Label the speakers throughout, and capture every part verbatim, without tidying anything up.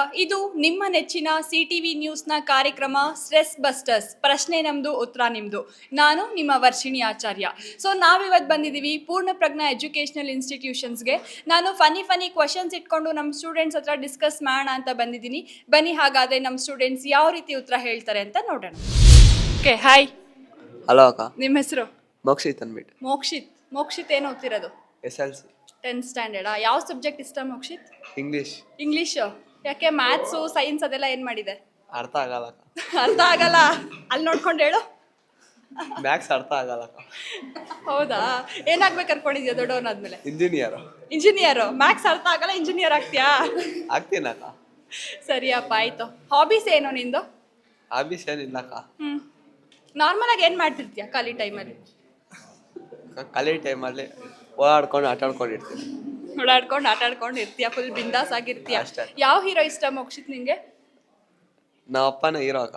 Speaker 1: ಇದು ನಿಮ್ಮ ನೆಚ್ಚಿನ ಸಿ ಟಿ ವಿ ನ್ಯೂಸ್ನ ಕಾರ್ಯಕ್ರಮ ಸ್ಟ್ರೆಸ್ ಬಸ್ಟರ್ಸ್. ಪ್ರಶ್ನೆ ನಮ್ಮದು, ಉತ್ತರ ನಿಮ್ಮದು. ನಾನು ನಿಮ್ಮ ವರ್ಷಿಣಿ ಆಚಾರ್ಯ. ಸೊ ನಾವಿವತ್ತು ಬಂದಿದ್ದೀವಿ ಪೂರ್ಣ ಪ್ರಜ್ಞಾ ಎಜುಕೇಷನಲ್ ಇನ್ಸ್ಟಿಟ್ಯೂಷನ್ಸ್ಗೆ. ನಾನು ಫನಿ ಫನಿ ಕ್ವಶನ್ಸ್ ಇಟ್ಕೊಂಡು ನಮ್ಮ ಸ್ಟೂಡೆಂಟ್ಸ್ ಹತ್ರ ಡಿಸ್ಕಸ್ ಮಾಡೋಣ ಅಂತ ಬಂದಿದ್ದೀನಿ. ಬನ್ನಿ ಹಾಗಾದರೆ ನಮ್ಮ ಸ್ಟೂಡೆಂಟ್ಸ್ ಯಾವ ರೀತಿ ಉತ್ತರ ಹೇಳ್ತಾರೆ ಅಂತ ನೋಡೋಣ. Okay, hi.
Speaker 2: ಹಲೋ ಅಕ್ಕ.
Speaker 1: ನಿಮ್ಮ ಹೆಸರು?
Speaker 2: ಮೋಕ್ಷಿತ್ ಅಂದ್ಬಿಟ್ಟು.
Speaker 1: ಮೋಕ್ಷಿತ್. ಮೋಕ್ಷಿತ್ ಏನು ಓದ್ತಿರೋದು?
Speaker 2: ಎಸ್ ಎಲ್ ಸಿ
Speaker 1: ಟೆಂತ್ ಸ್ಟ್ಯಾಂಡರ್ಡಾ? ಯಾವ ಸಬ್ಜೆಕ್ಟ್ ಇಷ್ಟ ಮೋಕ್ಷಿತ್?
Speaker 2: ಇಂಗ್ಲೀಷ್.
Speaker 1: ಇಂಗ್ಲೀಷು ಯಾಕೆ? ಮ್ಯಾಥ್ಸು ಸೈನ್ಸ್ ಅದೆಲ್ಲ ಏನು ಮಾಡಿದೆ?
Speaker 2: ಅರ್ಥ ಆಗಲ್ಲ ಅಕ್ಕ.
Speaker 1: ಅರ್ಥ ಆಗಲ್ಲ? ಅಲ್ಲಿ ನೋಡ್ಕೊಂಡು ಹೇಳು.
Speaker 2: ಮ್ಯಾಥ್ಸ್ ಅರ್ಥ ಆಗಲ್ಲ ಅಕ್ಕ.
Speaker 1: ಹೌದಾ? ಏನಾಗ್ಬೇಕು ಅನ್ಕೊಂಡಿದ್ಯಾ ದೊಡ್ಡವನಾದ್ಮೇಲೆ?
Speaker 2: ಇಂಜಿನಿಯರ್.
Speaker 1: ಇಂಜಿನಿಯರು. ಮ್ಯಾಥ್ಸ್ ಅರ್ಥ ಆಗಲ್ಲ, ಇಂಜಿನಿಯರ್ ಆಗ್ತೀಯಾ?
Speaker 2: ಆಗ್ತೀನಿ ಅಕ್ಕ.
Speaker 1: ಸರಿಯಪ್ಪ, ಆಯ್ತು. ಹಾಬೀಸ್ ಏನು ನಿಂದು?
Speaker 2: ಹಾಬೀಸ್ ಏನಿಲ್ಲ ಅಕ್ಕ.
Speaker 1: ಹ್ಞೂ ನಾರ್ಮಲ್ ಆಗಿ ಏನು ಮಾಡ್ತಿರ್ತೀಯ ಖಾಲಿ ಟೈಮಲ್ಲಿ?
Speaker 2: ಖಾಲಿ ಟೈಮಲ್ಲಿ ಓಡಾಡ್ಕೊಂಡು ಆಟ ಆಡ್ಕೊಂಡು ಇರ್ತೀನಿ.
Speaker 1: ಓಡಾಡ್ಕೊಂಡು ಆಟ ಆಡ್ಕೊಂಡು ಇರ್ತೀಯ, ಫುಲ್ ಬಿಂದಾಸ್ ಆಗಿರ್ತೀಯ.
Speaker 2: ಅಷ್ಟೇ.
Speaker 1: ಯಾವ ಹೀರೋ ಇಷ್ಟ ಮೋಕ್ಷಿತ್ ನಿಂಗೆ?
Speaker 2: ನಮ್ಮ ಅಪ್ಪನ ಹೀರೋ ಅಕ್ಕ.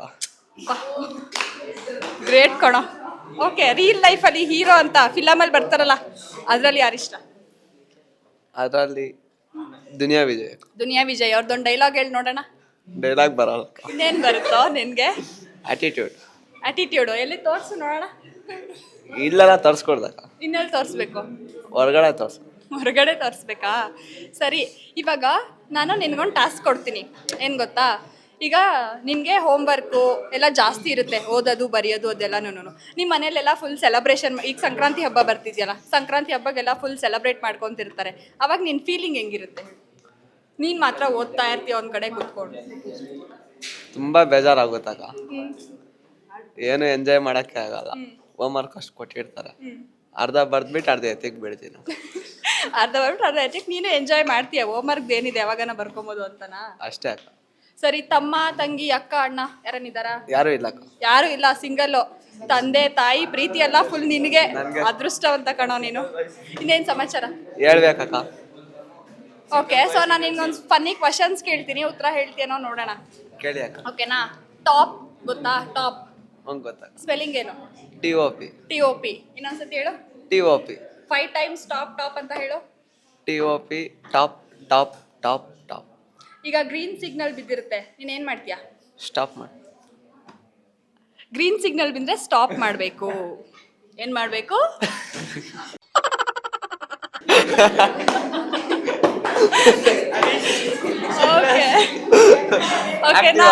Speaker 1: ಗ್ರೇಟ್ ಕಣೋ. ಓಕೆ, ರಿಯಲ್ ಲೈಫಲ್ಲಿ ಹೀರೋ ಅಂತ ಫಿಲಮಲ್ಲಿ ಬರ್ತಾರಲ್ಲ, ಅದರಲ್ಲಿ ಯಾರಿಷ್ಟ?
Speaker 2: ಅದರಲ್ಲಿ ದುನಿಯಾ ವಿಜಯ್.
Speaker 1: ದುನಿಯಾ ವಿಜಯ್ ಅವ್ರದ್ದೊಂದು ಡೈಲಾಗ್ ಹೇಳಿ ನೋಡೋಣ.
Speaker 2: ಡೈಲಾಗ್ ಬರಲ್ಲ.
Speaker 1: ಇನ್ನೇನು ಬರುತ್ತೋ ನಿನಗೆ?
Speaker 2: ಆಟಿಟ್ಯೂಡ್.
Speaker 1: ಆಟಿಟ್ಯೂಡು ಎಲ್ಲಿ ತೋರಿಸು ನೋಡೋಣ.
Speaker 2: ಇಲ್ಲೆಲ್ಲ ತೋರಿಸ್ಕೊಡ್ದಕ್ಕ.
Speaker 1: ಇನ್ನೆಲ್ಲಿ ತೋರಿಸ್ಬೇಕು?
Speaker 2: ಹೊರಗಡೆ ತೋರಿಸ್.
Speaker 1: ಹೊರಗಡೆ ತೋರಿಸ್ಬೇಕಾ? ಸರಿ, ಇವಾಗ ನಾನು ನಿನ್ಗೊಂದು ಟಾಸ್ಕ್ ಕೊಡ್ತೀನಿ. ಏನು ಗೊತ್ತಾ, ಈಗ ನಿನಗೆ ಹೋಮ್ವರ್ಕು ಎಲ್ಲ ಜಾಸ್ತಿ ಇರುತ್ತೆ, ಓದೋದು ಬರೆಯೋದು ಅದೆಲ್ಲನೂ. ನಿಮ್ಮ ಮನೇಲೆಲ್ಲ ಫುಲ್ ಸೆಲೆಬ್ರೇಷನ್, ಈಗ ಸಂಕ್ರಾಂತಿ ಹಬ್ಬ ಬರ್ತಿದ್ಯಲ್ಲ, ಸಂಕ್ರಾಂತಿ ಹಬ್ಬಗೆಲ್ಲ ಫುಲ್ ಸೆಲೆಬ್ರೇಟ್ ಮಾಡ್ಕೊತಿರ್ತಾರೆ. ಅವಾಗ ನಿನ್ನ ಫೀಲಿಂಗ್ ಹೆಂಗಿರುತ್ತೆ? ನೀನು ಮಾತ್ರ ಓದ್ತಾ ಇರ್ತೀಯ ಒಂದು ಕಡೆ ಕೂತ್ಕೊಂಡು.
Speaker 2: ತುಂಬ ಬೇಜಾರಾಗುತ್ತಕ್ಕ. ಏನು ಎಂಜಾಯ್ ಮಾಡೋಕ್ಕೆ ಆಗಲ್ಲ. ಹೋಮ್ವರ್ಕ್ ಅಷ್ಟು ಕೊಟ್ಟಿರ್ತಾರೆ, ಅರ್ಧ ಬರ್ದ್ಬಿಟ್ಟು ಅರ್ಧ ಎತ್ತಿಗೆ ಬಿಡ್ತೀನಿ.
Speaker 1: ಅರ್ಧ ಬರ್ಬಿಟ್ಟು ಅರ್ಧ ಎತ್ತಿಗೆ ನೀನು ಎಂಜಾಯ್ ಮಾಡ್ತೀಯ. ಹೋಮ್ವರ್ಕ್ ಏನಿದೆ ಯಾವಾಗನ ಬರ್ಕೊಬೋದು ಅಂತನಾ?
Speaker 2: ಅಷ್ಟೇ ಅಕ್ಕ.
Speaker 1: ಸರಿ, ತಮ್ಮ ತಂಗಿ ಅಕ್ಕ ಅಣ್ಣ ಯಾರನ್ನಿದಾರ?
Speaker 2: ಯಾರು ಇಲ್ಲ ಅಕ್ಕ.
Speaker 1: ಯಾರು ಇಲ್ಲ, ಸಿಂಗಲ್ಲು. ತಂದೆ ತಾಯಿ ಪ್ರೀತಿ ಎಲ್ಲ ಫುಲ್ ನಿನಗೆ. ಅದೃಷ್ಟವಂತ ಕಣೋ ನೀನು. ಇನ್ನೇನು ಸಮಾಚಾರ?
Speaker 2: ಹೇಳ್ಬೇಕಕ್ಕ.
Speaker 1: ಓಕೆ, ಸೊ ನಾನು ನಿನ್ಗೊಂದು ಫನ್ನಿ ಕ್ವಶನ್ಸ್ ಕೇಳ್ತೀನಿ, ಉತ್ತರ ಹೇಳ್ತೀನೋ ನೋಡೋಣ.
Speaker 2: ಕೇಳಿ ಅಕ್ಕ.
Speaker 1: ಓಕೆನಾ? ಟಾಪ್ ಗೊತ್ತಾ? ಟಾಪ್
Speaker 2: ಹಂಗೆ ಗೊತ್ತಾಗ.
Speaker 1: ಸ್ಪೆಲ್ಲಿಂಗ್ ಏನು?
Speaker 2: T O P.
Speaker 1: T O P. ಇನ್ನೊಂದ್ಸತಿ ಹೇಳು.
Speaker 2: T O P.
Speaker 1: Five times top top ಅಂತ ಹೇಳು.
Speaker 2: T O P. Top top top top.
Speaker 1: ಈಗ ಗ್ರೀನ್ ಸಿಗ್ನಲ್ ಬಿದ್ದಿರುತ್ತೆ, ನೀನು ಏನು ಮಾಡ್ತೀಯಾ?
Speaker 2: ಸ್ಟಾಪ್ ಮಾಡಿ.
Speaker 1: ಗ್ರೀನ್ ಸಿಗ್ನಲ್ ಬಿದ್ದರೆ ಸ್ಟಾಪ್ ಮಾಡಬೇಕು. ಏನು ಮಾಡಬೇಕು? ಓಕೆ ಓಕೆನಾ?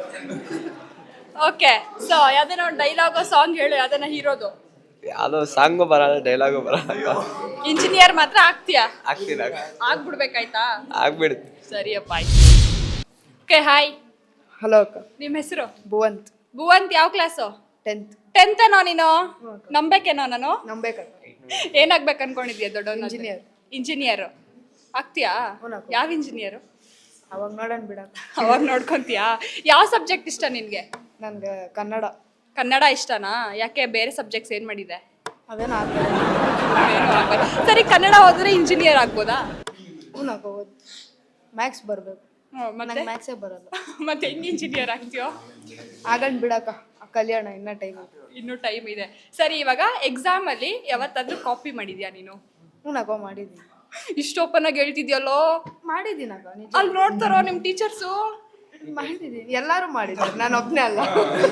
Speaker 1: ಓಕೆ, ಸೊ ಯಾವ್ದೇನೋ ಡೈಲಾಗೋ ಸಾಂಗ್ ಹೇಳು, ಯಾವ್ದನ್ನ ಹೀರೋದು.
Speaker 2: ಯಾವುದೋ ಸಾಂಗು ಬರಲ್ಲ, ಡೈಲಾಗು ಬರಲ್ಲ.
Speaker 1: ಇಂಜಿನಿಯರ್ ಮಾತ್ರ ಆಗ್ತೀಯಾ?
Speaker 2: ಆಗ್ತೀನಿ.
Speaker 1: ಆಗ್ಬಿಡ್ಬೇಕಾಯ್ತಾ?
Speaker 2: ಆಗ್ಬಿಡುತ್ತೆ.
Speaker 1: ಸರಿಯಪ್ಪ, ಆಯ್ತು. Okay, hi.
Speaker 3: ಹಲೋ ಅಕ್ಕ.
Speaker 1: ನಿಮ್ಮ ಹೆಸರು?
Speaker 3: ಭುವಂತ್.
Speaker 1: ಭುವಂತ್. ಯಾವ ಕ್ಲಾಸು?
Speaker 3: ಟೆಂತ್.
Speaker 1: ಟೆಂತ್ ಏನೋ ನೀನು? ನಂಬೇಕೇನೋ ನಾನು?
Speaker 3: ನಂಬೇಕಕ್ಕ.
Speaker 1: ಏನಾಗ್ಬೇಕು ಅನ್ಕೊಂಡಿದ್ಯಾ ದೊಡ್ಡ?
Speaker 3: ಇಂಜಿನಿಯರ್.
Speaker 1: ಇಂಜಿನಿಯರ್ ಆಗ್ತೀಯಾ? ಯಾವ ಇಂಜಿನಿಯರು?
Speaker 3: ಅವಾಗ ನೋಡೋಣ ಬಿಡಕ್ಕ.
Speaker 1: ಅವಾಗ ನೋಡ್ಕೊಂತೀಯಾ? ಯಾವ ಸಬ್ಜೆಕ್ಟ್ ಇಷ್ಟ ನಿನಗೆ?
Speaker 3: ನನ್ಗೆ ಕನ್ನಡ.
Speaker 1: ಕನ್ನಡ ಇಷ್ಟನಾ? ಯಾಕೆ ಬೇರೆ ಸಬ್ಜೆಕ್ಟ್ಸ್ ಏನು ಮಾಡಿದೆ?
Speaker 3: ಅದೇನು ಆಗ್ತದೆ.
Speaker 1: ಏನೂ ಆಗಲ್ಲ. ಸರಿ, ಕನ್ನಡ ಓದಿದ್ರೆ ಇಂಜಿನಿಯರ್ ಆಗ್ಬೋದಾ?
Speaker 3: ಹ್ಞೂ ಅಕ್ಕ, ಓದ್ ಮ್ಯಾಥ್ಸ್ ಬರಬೇಕು.
Speaker 1: ಮತ್ತೆ
Speaker 3: ನಂಗೆ ಮ್ಯಾಥ್ಸೇ ಬರಲ್ಲ.
Speaker 1: ಮತ್ತೆ ಹೆಂಗೆ ಇಂಜಿನಿಯರ್ ಆಗ್ತೀಯೋ?
Speaker 3: ಆಗಂಡ್ ಬಿಡಕ್ಕ, ಕಲ್ಯಾಣ ಇನ್ನೂ ಟೈಮ್ ಇದೆ.
Speaker 1: ಇನ್ನೂ ಟೈಮ್ ಇದೆ. ಸರಿ, ಇವಾಗ ಎಕ್ಸಾಮಲ್ಲಿ ಯಾವತ್ತಾದ್ರೂ ಕಾಪಿ ಮಾಡಿದ್ಯಾ ನೀನು?
Speaker 3: ಹ್ಞೂ ಅಕ್ಕ, ಮಾಡಿದ್ದೀನಿ.
Speaker 1: ಇಷ್ಟು ಓಪನ್ ಆಗಿ ಹೇಳ್ತಿದ್ಯಲ್ಲೋ?
Speaker 3: ಮಾಡಿದ್ದೀನಿ ಅಕ್ಕ, ನಿಜ.
Speaker 1: ಅಲ್ಲಿ ನೋಡ್ತಾರೋ ನಿಮ್ಮ ಟೀಚರ್ಸು?
Speaker 3: ಮಾಡಿದ್ದೀನಿ, ಎಲ್ಲರೂ ಮಾಡಿದ್ದಾರೆ, ನಾನು ಒಬ್ಬನೇ ಅಲ್ಲ.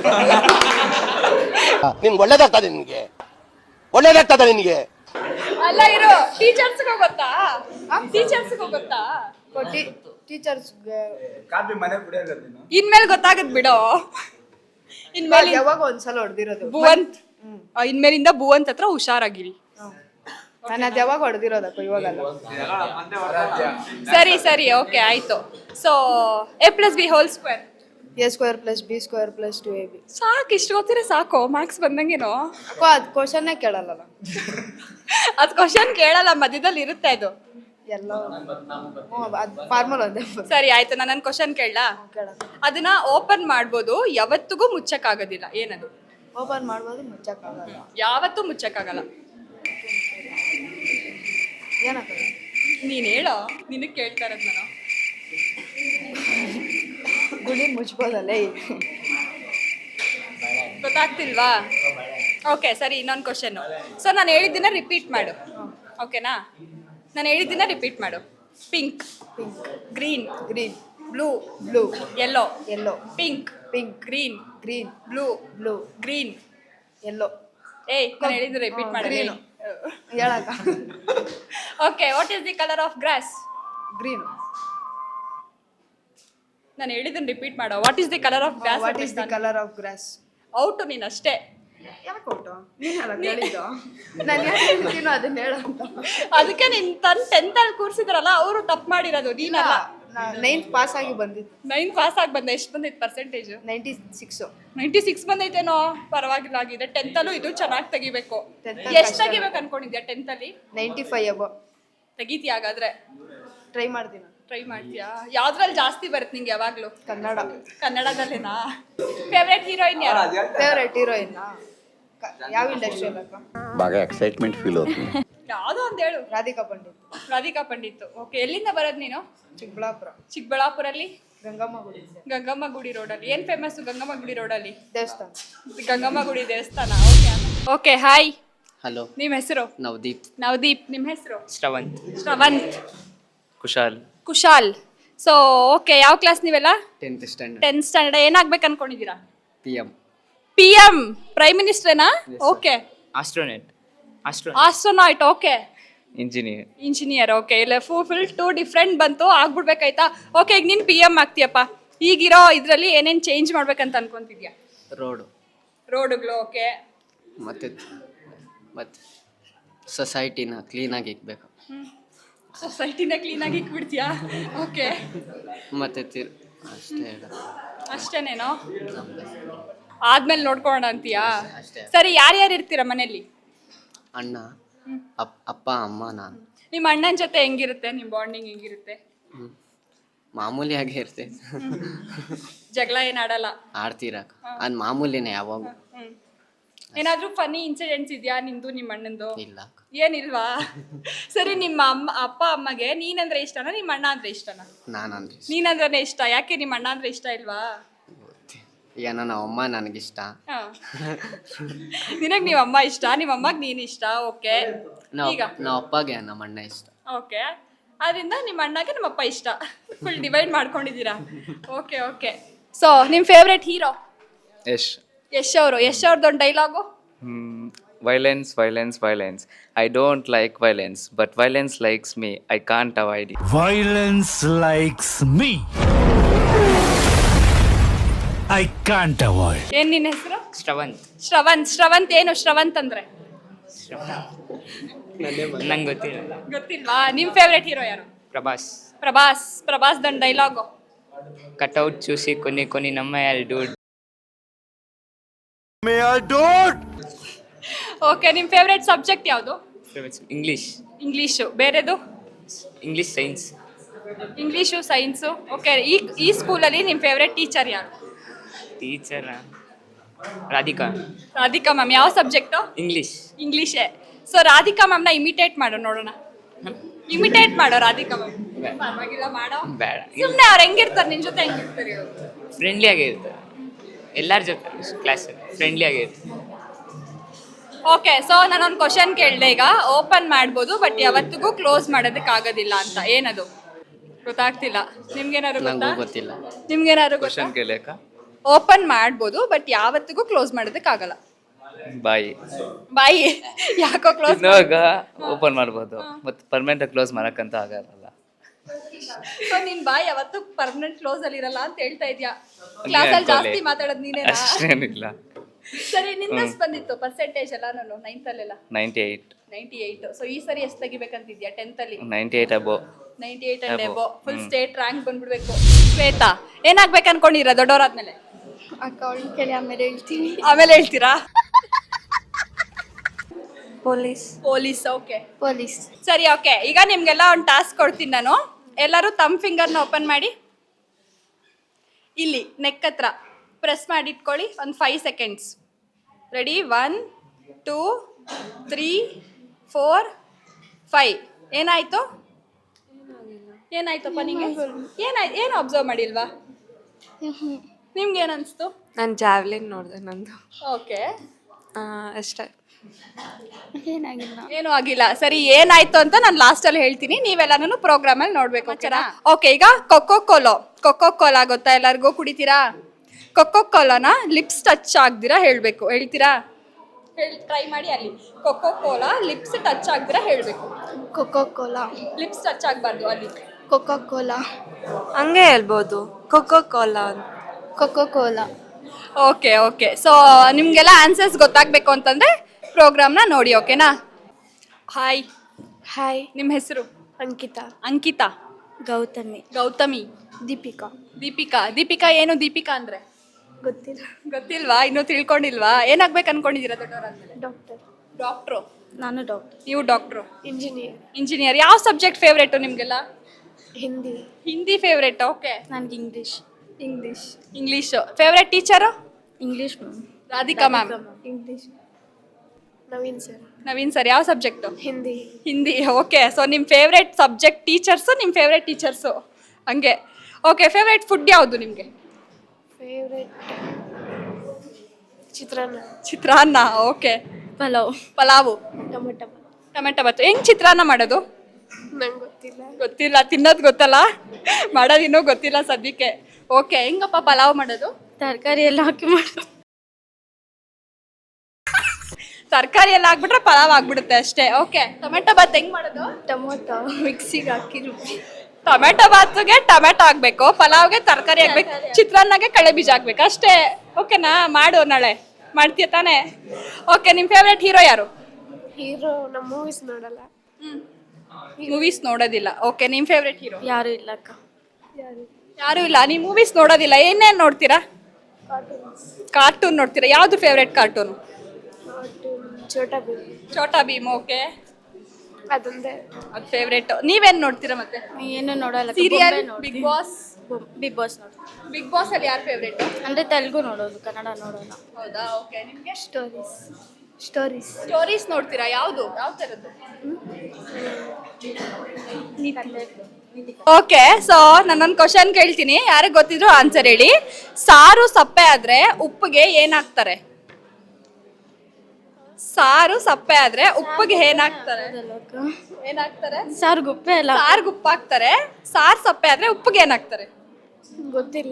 Speaker 4: ನಿಮ್ಗೆ ಒಳ್ಳೇದಾಗ್ತದೆ, ನಿನಗೆ ಒಳ್ಳೇದಾಗ್ತದೆ ನಿನಗೆ.
Speaker 1: ಅಲ್ಲ ಇರು, ಟೀಚರ್ಸ್ಗೆ ಗೊತ್ತಾ? ಟೀಚರ್ಸ್ಗೆ ಗೊತ್ತಾ?
Speaker 3: ಕೊಟ್ಟಿ ಟೀಚರ್ಸ್ಗೆ
Speaker 1: ಇನ್ಮೇಲೆ ಗೊತ್ತಾಗದ್ ಬಿಡೋ. ಇನ್ಮೇಲೆ
Speaker 3: ಯಾವಾಗ ಒಂದ್ಸಲ ಹೊಡೆದಿರೋದು
Speaker 1: ಭುವಂತ್. ಇನ್ಮೇಲಿಂದ ಭುವಂತ್ ಹತ್ರ ಹುಷಾರಾಗಿರಿ.
Speaker 3: ನಾನು ಅದು ಯಾವಾಗ ಹೊಡೆದಿರೋದಕ್ಕ, ಇವಾಗಲ್ಲ.
Speaker 1: ಸರಿ ಸರಿ, ಓಕೆ, ಆಯ್ತು. So A plus B whole square.
Speaker 3: A square plus B square plus two A B.
Speaker 1: ಸಾಕು, ಇಷ್ಟು ಗೊತ್ತಿರ ಸಾಕು, ಮಾರ್ಕ್ಸ್ ಬಂದಂಗೇನೋ.
Speaker 3: ಅಕ್ಕ, ಅದು ಕ್ವಶನ್ನೇ ಕೇಳಲ್ಲ.
Speaker 1: ಅದು ಕ್ವಶನ್ ಕೇಳಲ್ಲ, ಮಧ್ಯದಲ್ಲಿ ಇರುತ್ತೆ ಅದು
Speaker 3: ಎಲ್ಲ. ಅದು ಫಾರ್ಮಲ್ ಒಂದೇ.
Speaker 1: ಸರಿ ಆಯ್ತು, ನಾನು ನನ್ನ ಕ್ವಶನ್ ಕೇಳಲಾ? ಅದನ್ನ ಓಪನ್ ಮಾಡ್ಬೋದು, ಯಾವತ್ತಿಗೂ ಮುಚ್ಚಕ್ಕಾಗೋದಿಲ್ಲ. ಏನದು?
Speaker 3: ಓಪನ್ ಮಾಡ್ಬೋದು, ಮುಚ್ಚಕ್ಕಾಗಲ್ಲ.
Speaker 1: ಯಾವತ್ತೂ ಮುಚ್ಚಕ್ಕಾಗಲ್ಲ.
Speaker 3: ಏನಕ್ಕ?
Speaker 1: ನೀನು ಹೇಳೋ, ನಿನಗೆ ಕೇಳ್ತಾ ಇರೋದು ನಾನು.
Speaker 3: ಗುಡಿ ಮುಚ್ಬೋದಲ್ಲೇ.
Speaker 1: ಗೊತ್ತಾಗ್ತಿಲ್ವಾ? ಓಕೆ, ಸರಿ, ಇನ್ನೊಂದು ಕ್ವಶನ್ನು. ಸೊ ನಾನು ಹೇಳಿದ್ದನ್ನ ರಿಪೀಟ್ ಮಾಡು, ಓಕೆನಾ? ನಾನು ಹೇಳಿದ್ದನ್ನ ರಿಪೀಟ್ ಮಾಡು. Pink.
Speaker 3: Pink.
Speaker 1: Green.
Speaker 3: Green.
Speaker 1: Blue
Speaker 3: blue
Speaker 1: yellow
Speaker 3: yellow
Speaker 1: pink
Speaker 3: pink
Speaker 1: green
Speaker 3: green
Speaker 1: blue
Speaker 3: blue
Speaker 1: green
Speaker 3: yellow
Speaker 1: ಏಯ್ ನಾನು ಹೇಳಿದ್ದು ರಿಪೀಟ್ ಮಾಡಿ
Speaker 3: green. ಹೇಳಕ್ಕ
Speaker 1: okay what is the colour of grass
Speaker 3: green
Speaker 1: ನಾನು ಹೇಳಿದ್ದನ್ನು ರಿಪೀಟ್ ಮಾಡೋ what is the colour of grass
Speaker 3: what is the colour of grass
Speaker 1: out ನೀನು ಅಷ್ಟೇ
Speaker 3: ಯಾಕೆ ಕೊಟ್ಟು ನೀನು ಹೇಳಕ್ ಹೇಳಿದ್ದು ನಾನು ಯಾಕೆ ಹೇಳ್ತೀನೋ ಅದನ್ನ ಹೇಳಂತ
Speaker 1: ಅದಕ್ಕೆ ನಿನ್ ತನ್ ಟೆಂತ್ ಅಲ್ಲಿ ಕೂರ್ಸಿದ್ರಲ್ಲ ಅವರು ತಪ್ಪು ಮಾಡಿರೋದು ನೀನಲ್ಲ
Speaker 3: ನೈನ್ತ್ ಪಾಸ್ ಆಗಿ ಬಂದಿದ್ದು
Speaker 1: ನೈನ್ ಪಾಸ್ ಆಗಿ ಬಂದೆ ಎಷ್ಟು ಬಂದೈತೆ percentage
Speaker 3: ninety six
Speaker 1: ninety six ಬಂದೈತೇನೋ ಪರವಾಗಿಲ್ಲ ಆಗಿದೆ ಟೆಂತ್ ಅಲ್ಲೂ ಇದು ಚೆನ್ನಾಗಿ ತೆಗಿಬೇಕು
Speaker 3: tenth
Speaker 1: ಎಷ್ಟು
Speaker 3: ಕಷ್ಟ.
Speaker 1: ತೆಗಿಬೇಕು ಅನ್ಕೊಂಡಿದ್ಯಾ ಟೆಂತ್ ಅಲ್ಲಿ
Speaker 3: ನೈಂಟಿ ಫೈವ್ ಅಬೋ
Speaker 1: ತೆಗಿತೀಯ ಹಾಗಾದ್ರೆ
Speaker 3: ಟ್ರೈ ಮಾಡ್ತೀನಿ
Speaker 1: ಟ್ರೈ ಮಾಡ್ತೀಯಾ ಯಾವ್ದ್ರಲ್ಲಿ ಜಾಸ್ತಿ ಬರುತ್ತೆ ನಿಂಗೆ ಯಾವಾಗ್ಲೂ
Speaker 3: ಕನ್ನಡ
Speaker 1: ಕನ್ನಡದಲ್ಲೇನಾ ಫೇವ್ರೆಟ್ ಹೀರೋಯಿನ್ ಯಾರು
Speaker 3: ಫೇವ್ರೆಟ್ ಹೀರೋಯಿನ್ ಯಾವ ಇಂಡಸ್ಟ್ರಿ ಅಲ್ಲಕ್ಕ
Speaker 5: బాగా ఎక్సైట్మెంట్ ఫీల్ అవుతుంది
Speaker 1: ಯಾವ್ದು ಅಂತ ಹೇಳು
Speaker 3: ರಾಧಿಕಾ ಪಂಡಿತ್
Speaker 1: ರಾಧಿಕಾ ಪಂಡಿತ್ ಓಕೆ ಎಲ್ಲಿಂದ ಬರೋದು ನೀನು
Speaker 3: ಚಿಕ್ಕಬಳ್ಳಾಪುರ
Speaker 1: ಚಿಕ್ಕಬಳ್ಳಾಪುರಲ್ಲಿ
Speaker 3: ಗಂಗಮ್ಮ ಗುಡಿ
Speaker 1: ಗಂಗಮ್ಮ ಗುಡಿ ರೋಡಲ್ಲಿ ಏನ್ ಫೇಮಸ್ ಗಂಗಮ್ಮ ಗುಡಿ ರೋಡಲ್ಲಿ
Speaker 3: ದೇವಸ್ಥಾನ
Speaker 1: ಗಂಗಮ್ಮ ಗುಡಿ ದೇವಸ್ಥಾನ ಓಕೆ ಓಕೆ ಹಾಯ್
Speaker 6: ಹಲೋ
Speaker 1: ನಿಮ್ಮ ಹೆಸರು
Speaker 6: ನವದೀಪ್
Speaker 1: ನವದೀಪ್ ನಿಮ್ಮ ಹೆಸರು
Speaker 6: ಶ್ರವಂತ್
Speaker 1: ಶ್ರವಂತ್
Speaker 6: ಕುಶಾಲ್
Speaker 1: ಕುಶಾಲ್ ಸೊ ಓಕೆ ಯಾವ ಕ್ಲಾಸ್ ನೀವೆಲ್ಲ
Speaker 6: ಟೆಂತ್ ಸ್ಟ್ಯಾಂಡರ್ಡ್
Speaker 1: ಟೆಂತ್ ಸ್ಟ್ಯಾಂಡರ್ಡ್ ಏನಾಗ್ಬೇಕು ಅನ್ಕೊಂಡಿದ್ದೀರಾ
Speaker 6: P M
Speaker 1: P M prime ಮಿನಿಸ್ಟ್ರೇನಾ okay
Speaker 6: astronaut astro
Speaker 1: astronaut okay
Speaker 6: engineer
Speaker 1: engineer okay ಇಲ್ಲ ಫುಲ್ ಫುಲ್ ಟೂ ಡಿಫ್ರೆಂಟ್ ಬಂತು ಆಗ್ಬಿಡ್ಬೇಕಾಯ್ತಾ ಓಕೆ ಈಗ ನೀನು ಪಿ ಎಮ್ ಆಗ್ತೀಯಪ್ಪ ಈಗಿರೋ ಇದರಲ್ಲಿ ಏನೇನು ಚೇಂಜ್ ಮಾಡ್ಬೇಕಂತ ಅನ್ಕೊಂತಿದ್ಯಾ
Speaker 6: ರೋಡು
Speaker 1: ರೋಡುಗಳು ಓಕೆ
Speaker 6: ಮತ್ತು ಮತ್ತು ಸೊಸೈಟಿನ ಕ್ಲೀನಾಗಿ ಇಕ್ಬೇಕು
Speaker 1: ಸೊಸೈಟಿನ ಕ್ಲೀನಾಗಿ ಇಕ್ಬಿಡ್ತೀಯಾ ಓಕೆ
Speaker 6: ಮತ್ತು ತಿರ್ ಅಷ್ಟೇ ಹೇಳ
Speaker 1: ಅಷ್ಟೇನೇನೋ ಆದ್ಮೇಲೆ ನೋಡ್ಕೊಳ್ಳೋಣ ಅಂತೀಯಾ
Speaker 6: ಅಷ್ಟೇ.
Speaker 1: ಸರಿ ಯಾರ್ಯಾರು ಇರ್ತೀರಾ ಮನೇಲಿ
Speaker 6: ಅಣ್ಣ ಅಪ್ ಅಪ್ಪ ಅಮ್ಮ ನಾನು
Speaker 1: ನಿಮ್ಮ ಅಣ್ಣನ ಜೊತೆ ಹೆಂಗಿರುತ್ತೆ ನಿಮ್ಮ ಬಾಂಡಿಂಗ್ ಹೆಂಗಿರುತ್ತೆ
Speaker 6: ಹ್ಮ್. ಮಾಮೂಲಿಯಾಗಿ ಇರ್ತೈತೆ
Speaker 1: ಜಗಳ ಏನ್ ಆಡಲ್ಲ
Speaker 6: ಆಡ್ತೀರಕ್ಕ ಅದು ಮಾಮೂಲಿನೇ ಯಾವಾಗ
Speaker 1: ಹ್ಮ್ ಏನಾದ್ರೂ ಫನಿ ಇನ್ಸಿಡೆಂಟ್ಸ್ ಇದೆಯಾ ನಿಂದು ನಿಮ್ಮ ಅಣ್ಣಂದು
Speaker 6: ಇಲ್ಲ ಅಕ್ಕ.
Speaker 1: ಏನಿಲ್ವಾ ಸರಿ ನಿಮ್ಮ ಅಮ್ಮ ಅಪ್ಪ ಅಮ್ಮಗೆ ನೀನಂದ್ರೆ ಇಷ್ಟನಾ ನಿಮ್ಮ ಅಣ್ಣ ಅಂದ್ರೆ ಇಷ್ಟನಾ
Speaker 6: ನಾನಂದ್ರೆ ಇಷ್ಟ.
Speaker 1: ನೀನಂದ್ರೆ ಇಷ್ಟ ಯಾಕೆ ನಿಮ್ಮ ಅಣ್ಣ ಅಂದ್ರೆ ಇಷ್ಟ ಇಲ್ವಾ
Speaker 6: ಈಗ ನನ್ನ ಅಮ್ಮ ನನಗಿಷ್ಟ
Speaker 1: ಹಾ. ನಿನಗ್ ನಿಮ್ಮ ಅಮ್ಮ ಇಷ್ಟ ನಿಮ್ಮ ಅಮ್ಮಗ್ ನೀನ್ ಇಷ್ಟ ಓಕೆ
Speaker 6: ನಾವು
Speaker 1: ಈಗ
Speaker 6: ನಾವು ಅಪ್ಪಗೆ ನಮ್ಮ ಅಣ್ಣ ಇಷ್ಟ
Speaker 1: ಓಕೆ ಅದರಿಂದ ನಿಮ್ಮ ಅಣ್ಣಗೆ ನಿಮ್ಮ ಅಪ್ಪ ಇಷ್ಟ ಫುಲ್ ಡಿವೈಡ್ ಮಾಡ್ಕೊಂಡಿದ್ದೀರಾ ಓಕೆ ಓಕೆ ಸೊ ನಿಮ್ಮ ಫೇವ್ರೆಟ್ ಹೀರೋ
Speaker 7: ಯಶ್
Speaker 1: ಯಶ್ ಅವರು ಯಶ್ ಅವ್ರದ್ದೊಂದು dialogue
Speaker 7: violence violence violence I don't like violence but violence likes me I can't avoid it
Speaker 8: Violence likes me. I can't avoid.
Speaker 1: ಏನ್ ನಿನ್ನ ಹೆಸರು
Speaker 6: ಶ್ರವಂತ್
Speaker 1: ಶ್ರವಂತ್ ಶ್ರವಂತ್ ಏನು ಶ್ರವಂತ್ ಅಂದ್ರೆ
Speaker 6: ನಂಗೆ ಗೊತ್ತಿರಲ್ಲ
Speaker 1: ಗೊತ್ತಿಲ್ವಾ ನಿಮ್ ಫೇವ್ರೆಟ್ ಹೀರೋ ಯಾರು
Speaker 6: Prabhas
Speaker 1: Prabhas Prabhas then dialogue
Speaker 6: cutout చూసి కొన్ని కొన్ని నమ్మయాలు డూడ్
Speaker 1: ಓಕೆ ನಿಮ್ ಫೇವ್ರೆಟ್ ಸಬ್ಜೆಕ್ಟ್ ಯಾವುದು
Speaker 6: ಇಂಗ್ಲಿಷ್
Speaker 1: ಇಂಗ್ಲೀಷು ಬೇರೆದು
Speaker 6: English science
Speaker 1: English science okay ಈ ಈ ಸ್ಕೂಲಲ್ಲಿ ನಿಮ್ಮ ಫೇವ್ರೆಟ್ ಟೀಚರ್ ಯಾರು
Speaker 6: ಟೀಚರ್ ರಾಧಿಕಾ
Speaker 1: ರಾಧಿಕಾ ಮ್ಯಾಮ್ ಯಾವ ಸಬ್ಜೆಕ್ಟು
Speaker 6: ಇಂಗ್ಲಿಷ್
Speaker 1: ಇಂಗ್ಲೀಷೇ ಸೊ ರಾಧಿಕಾ ಮ್ಯಾಮ್ನ ಇಮಿಟೇಟ್ ಮಾಡೋ ನೋಡೋಣ ಇಮಿಟೇಟ್ ಮಾಡೋ ರಾಧಿಕಾ ಮ್ಯಾಮ್ ಪರವಾಗಿಲ್ಲ ಮಾಡೋ
Speaker 6: ಬೇಡ
Speaker 1: ಸುಮ್ಮನೆ ಅವ್ರು ಹೆಂಗಿರ್ತಾರೆ ನಿನ್ನ ಜೊತೆ ಹೆಂಗಿರ್ತಾರೆ ಹೇಳು
Speaker 6: ಫ್ರೆಂಡ್ಲಿ ಆಗಿರ್ತಾರೆ ಎಲ್ಲರ ಜೊತೆ ಕ್ಲಾಸಲ್ಲಿ ಫ್ರೆಂಡ್ಲಿ ಆಗಿರ್ತಾರೆ
Speaker 1: ಓಕೆ ಸೊ ನಾನೊಂದು ಕ್ವಶನ್ ಕೇಳಿದೆ ಈಗ ಓಪನ್ ಮಾಡ್ಬೋದು ಬಟ್ ಯಾವತ್ತಿಗೂ ಕ್ಲೋಸ್ ಮಾಡೋದಕ್ಕೆ ಆಗೋದಿಲ್ಲ ಅಂತ ಏನದು ಗೊತ್ತಾಗ್ತಿಲ್ಲ ನಿಮ್ಗೇನಾದ್ರು
Speaker 6: ನಂಗೂ
Speaker 1: ಗೊತ್ತಾ
Speaker 6: ಗೊತ್ತಿಲ್ಲ
Speaker 1: ನಿಮ್ಗೇನಾದ್ರು ಗೊತ್ತಾ
Speaker 7: ಕ್ವಶನ್ ಕೇಳಕ
Speaker 1: ಓಪನ್ ಮಾಡ್ಬೋದು ಬಟ್ ಯಾವತ್ತಿಗೂ ಕ್ಲೋಸ್ ಮಾಡೋದಕ್ಕೆ ಆಗಲ್ಲ
Speaker 7: ಬಾಯಿ
Speaker 1: ಬಾಯಿ ಯಾಕೋ ಕ್ಲೋಸ್
Speaker 7: ಇವಾಗ ಓಪನ್ ಮಾಡ್ಬೋದು ಮತ್ತೆ ಪರ್ಮನೆಂಟ್ ಕ್ಲೋಸ್ ಮಾಡಕ್ಕಂತ ಆಗಲ್ಲ
Speaker 1: ಸೊ ನಿನ್ ಬಾಯಿ ಯಾವತ್ತು ಪರ್ಮನೆಂಟ್ ಕ್ಲೋಸ್ ಅಲ್ಲಿ ಇರಲ್ಲ ಅಂತ ಹೇಳ್ತಾ ಇದ್ಯಾ ಕ್ಲಾಸಲ್ಲಿ ಜಾಸ್ತಿ ಮಾತಾಡೋದು ನೀನೇನಾ
Speaker 7: ಅಷ್ಟೇನಿಲ್ಲ
Speaker 1: ಸರಿ ನಿಂದಷ್ಟು ಬಂದಿತ್ತು ಪರ್ಸೆಂಟೇಜ್ ಎಲ್ಲ ನಾನು ನೈನ್ತ್ ಅಲ್ಲೆಲ್ಲ
Speaker 7: ninety eight
Speaker 1: ninety eight so ಈ ಸರಿ ಎಷ್ಟು ತೆಗಿಬೇಕಂತಿದ್ಯಾ ಟೆಂತ್ ಅಲ್ಲಿ
Speaker 7: ninety eight above
Speaker 1: ninety eight and above full state rank ಬಂದ್ಬಿಡ್ಬೇಕು ಶ್ವೇತಾ ಏನಾಗ್ಬೇಕು ಅನ್ಕೊಂಡಿರ ದೊಡ್ಡವರಾದ್ಮೇಲೆ
Speaker 3: ಅಕ್ಕ ಅವಳು ಕೇಳಿ ಆಮೇಲೆ ಹೇಳ್ತೀನಿ
Speaker 1: ಆಮೇಲೆ ಹೇಳ್ತೀರಾ
Speaker 3: ಪೊಲೀಸ್
Speaker 1: ಪೊಲೀಸ್ ಓಕೆ
Speaker 3: ಪೊಲೀಸ್
Speaker 1: ಸರಿ ಓಕೆ ಈಗ ನಿಮ್ಗೆಲ್ಲ ಒಂದು ಟಾಸ್ಕ್ ಕೊಡ್ತೀನಿ ನಾನು ಎಲ್ಲರೂ ತಮ್ಮ ಫಿಂಗರ್ನ ಓಪನ್ ಮಾಡಿ ಇಲ್ಲಿ ನೆಕ್ ಹತ್ರ ಪ್ರೆಸ್ ಮಾಡಿ ಇಟ್ಕೊಳ್ಳಿ ಒಂದು five seconds ready one two three four five ಏನಾಯ್ತು ಏನಾಯ್ತಪ್ಪ ನಿಮಗೆ ಏನಾಯ್ತು ಏನು ಅಬ್ಸರ್ವ್ ಮಾಡಿಲ್ವಾ ನಿಮ್ಗೆ ಏನು ಅನಿಸ್ತು
Speaker 9: ನಾನು ಜಾವ್ಲಿನ್ ನೋಡಿದೆ ನಂದು
Speaker 1: ಓಕೆ
Speaker 9: ಅಷ್ಟೇ
Speaker 3: ಏನಾಗಿಲ್ಲ.
Speaker 1: ಏನೂ ಆಗಿಲ್ಲ. ಸರಿ, ಏನಾಯ್ತು ಅಂತ ನಾನು ಲಾಸ್ಟಲ್ಲಿ ಹೇಳ್ತೀನಿ, ನೀವೆಲ್ಲನೂ ಪ್ರೋಗ್ರಾಮಲ್ಲಿ ನೋಡಬೇಕು. ಓಕೆನಾ? ಓಕೆ, ಈಗ ಕೊಕ್ಕೋ ಕೋಲೋ ಕೊಕ್ಕೋ ಕೋಲಾ ಗೊತ್ತಾ ಎಲ್ಲರಿಗೂ? ಕುಡಿತೀರಾ? ಕೊಕ್ಕೋ ಕೋಲಾನ ಲಿಪ್ಸ್ ಟಚ್ ಆಗ್ದಿರಾ ಹೇಳಬೇಕು. ಹೇಳ್ತೀರಾ? ಹೇಳಿ, ಟ್ರೈ ಮಾಡಿ. ಅಲ್ಲಿ ಕೊಕ್ಕೋ ಕೋಲಾ ಲಿಪ್ಸ್ ಟಚ್ ಆಗ್ದಿರಾ ಹೇಳಬೇಕು.
Speaker 3: Coca Cola.
Speaker 1: ಲಿಪ್ಸ್ ಟಚ್ ಆಗಬಾರ್ದು ಅಲ್ಲಿ.
Speaker 3: Coca Cola.
Speaker 9: ಹಂಗೆ ಹೇಳ್ಬೋದು, ಕೊಕೋ ಕೋಲಾ ಅಂತ.
Speaker 3: Coca Cola.
Speaker 1: Okay okay so ನಿಮಗೆಲ್ಲ ಆನ್ಸರ್ಸ್ ಗೊತ್ತಾಗಬೇಕು ಅಂತಂದರೆ ಪ್ರೋಗ್ರಾಮ್ನ ನೋಡಿ. ಓಕೆನಾ? ಹಾಯ್.
Speaker 3: ಹಾಯ್.
Speaker 1: ನಿಮ್ಮ ಹೆಸರು?
Speaker 3: ಅಂಕಿತಾ.
Speaker 1: ಅಂಕಿತಾ.
Speaker 3: ಗೌತಮಿ.
Speaker 1: ಗೌತಮಿ.
Speaker 3: ದೀಪಿಕಾ.
Speaker 1: ದೀಪಿಕಾ. ದೀಪಿಕಾ ಏನು ದೀಪಿಕಾ ಅಂದರೆ?
Speaker 3: ಗೊತ್ತಿಲ್ಲ.
Speaker 1: ಗೊತ್ತಿಲ್ವಾ? ಇನ್ನೂ ತಿಳ್ಕೊಂಡಿಲ್ವಾ? ಏನಾಗ್ಬೇಕು ಅನ್ಕೊಂಡಿದ್ದೀರಾ ದೊಡ್ಡವರಾದ್ಮೇಲೆ?
Speaker 3: ಡಾಕ್ಟರ್.
Speaker 1: ಡಾಕ್ಟ್ರು.
Speaker 3: ನಾನು ಡಾಕ್ಟರ್.
Speaker 1: ನೀವು ಡಾಕ್ಟ್ರು.
Speaker 3: ಇಂಜಿನಿಯರ್.
Speaker 1: ಇಂಜಿನಿಯರ್. ಯಾವ ಸಬ್ಜೆಕ್ಟ್ ಫೇವ್ರೇಟು ನಿಮಗೆಲ್ಲ?
Speaker 3: ಹಿಂದಿ.
Speaker 1: ಹಿಂದಿ ಫೇವ್ರೇಟ್. ಓಕೆ.
Speaker 3: ನನಗೆ English. English.
Speaker 1: English. Favourite teacher?
Speaker 3: English ma'am.
Speaker 1: Radhika ma'am.
Speaker 3: English. Naveen sir.
Speaker 1: Naveen sir. ಯಾವ subject?
Speaker 3: Hindi.
Speaker 1: Hindi. Okay. So ನಿಮ್ಮ ಫೇವ್ರೇಟ್ ಸಬ್ಜೆಕ್ಟ್ ಟೀಚರ್ಸು ನಿಮ್ಮ ಫೇವ್ರೇಟ್ ಟೀಚರ್ಸು ಹಂಗೆ. ಓಕೆ. ಫೇವ್ರೇಟ್ ಫುಡ್ ಯಾವುದು ನಿಮಗೆ?
Speaker 3: Favourite chitranna.
Speaker 1: Chitranna. Okay.
Speaker 3: Pulao.
Speaker 1: Pulao.
Speaker 3: Tomato.
Speaker 1: Tomato bath. ಹೆಂಗೆ ಚಿತ್ರಾನ್ನ ಮಾಡೋದು?
Speaker 3: ನಂಗೆ ಗೊತ್ತಿಲ್ಲ.
Speaker 1: ಗೊತ್ತಿಲ್ಲ. ತಿನ್ನೋದು ಗೊತ್ತಲ್ಲ, ಮಾಡೋದಿನ್ನೂ ಗೊತ್ತಿಲ್ಲ ಸದ್ಯಕ್ಕೆ. ಓಕೆ. ಹೆಂಗಪ್ಪ ಪಲಾವ್ ಮಾಡೋದು?
Speaker 3: ತರಕಾರಿ ಎಲ್ಲ ಹಾಕಿ ಮಾಡೋದು.
Speaker 1: ತರಕಾರಿ ಎಲ್ಲ ಹಾಕ್ಬಿಟ್ರೆ ಪಲಾವ್ ಆಗ್ಬಿಡುತ್ತೆ ಅಷ್ಟೇ. ಓಕೆ. ಟೊಮೆಟೊ ಬಾತ್ ಹೆಂಗ್ ಮಾಡೋದು?
Speaker 3: ಟೊಮೊಟೊ ಮಿಕ್ಸಿಗೆ ಹಾಕಿ ರುಬ್ಬಿ.
Speaker 1: ಟೊಮೆಟೊ ಬಾತ್ಗೆ ಟೊಮೆಟೊ ಹಾಕ್ಬೇಕು, ಪಲಾವ್ಗೆ ತರಕಾರಿ ಹಾಕ್ಬೇಕು, ಚಿತ್ರಾನ್ನಗೆ ಕಳೆ ಬೀಜ ಹಾಕ್ಬೇಕು ಅಷ್ಟೇ. ಓಕೆನಾ? ಮಾಡು, ನಾಳೆ ಮಾಡ್ತೀಯ ತಾನೇ? ಓಕೆ. ನಿಮ್ಮ ಫೇವ್ರೇಟ್ ಹೀರೋ ಯಾರು?
Speaker 3: ಹೀರೋ ನಮ್ಮ ಮೂವೀಸ್ ನೋಡಲ್ಲ.
Speaker 1: ಮೂವೀಸ್ ನೋಡೋದಿಲ್ಲ. ಓಕೆ. ನಿಮ್ಮ ಫೇವ್ರೇಟ್ ಹೀರೋ?
Speaker 3: ಯಾರು ಇಲ್ಲ ಅಕ್ಕ. ಯಾರು
Speaker 1: ಯಾರು ಇಲ್ಲ. ನೀವು ಮೂವೀಸ್ ನೋಡೋದಿಲ್ಲ. ಏನೇನು ನೋಡ್ತೀರಾ? ಕಾರ್ಟೂನ್ ನೋಡ್ತೀರಾ? ಯಾವುದು favourite cartoon?
Speaker 3: Chhota Bheem.
Speaker 1: Chhota Bheem. Okay.
Speaker 3: ಅದೊಂದೇ.
Speaker 1: ಅದು ಫೇವ್ರೇಟ್. ನೀವೇನು ನೋಡ್ತೀರಾ ಮತ್ತೆ?
Speaker 3: ಏನು ನೋಡಲ್ಲ.
Speaker 1: Serial? Bigg Boss.
Speaker 3: Bigg Boss ನೋಡು.
Speaker 1: ಬಿಗ್ ಬಾಸ್ ಅಲ್ಲಿ ಯಾರು ಫೇವ್ರೇಟ್?
Speaker 3: ಅಂದರೆ ತೆಲುಗು ನೋಡೋದು, ಕನ್ನಡ ನೋಡೋಲ್ಲ.
Speaker 1: ಹೌದಾ? ಓಕೆ. ನಿಮಗೆ
Speaker 3: ಸ್ಟೋರೀಸ್. ಸ್ಟೋರೀಸ್.
Speaker 1: ಸ್ಟೋರೀಸ್ ನೋಡ್ತೀರಾ? ಯಾವುದು? ಯಾವ ಥರದ್ದು? ಓಕೆ. ಸೊ ನಾನೊಂದು ಕ್ವಶನ್ ಕೇಳ್ತೀನಿ, ಯಾರಿಗೆ ಗೊತ್ತಿದ್ರು ಆನ್ಸರ್ ಹೇಳಿ. ಸಾರು ಸಪ್ಪೆ ಆದ್ರೆ ಉಪ್ಪಿಗೆ ಏನಾಗ್ತಾರೆ? ಸಾರು ಸಪ್ಪೆ ಆದ್ರೆ ಉಪ್ಪಿಗೆ ಏನಾಗ್ತಾರೆ? ಏನಾಗ್ತಾರೆ?
Speaker 3: ಸಾರು ಗುಪ್ಪೆ ಅಲ್ಲ.
Speaker 1: ಸಾರ್ಗೆ ಉಪ್ಪು ಹಾಕ್ತಾರೆ. ಸಾರು ಸಪ್ಪೆ ಆದ್ರೆ ಉಪ್ಪಿಗೆ ಏನಾಗ್ತಾರೆ?
Speaker 3: ಗೊತ್ತಿಲ್ಲ.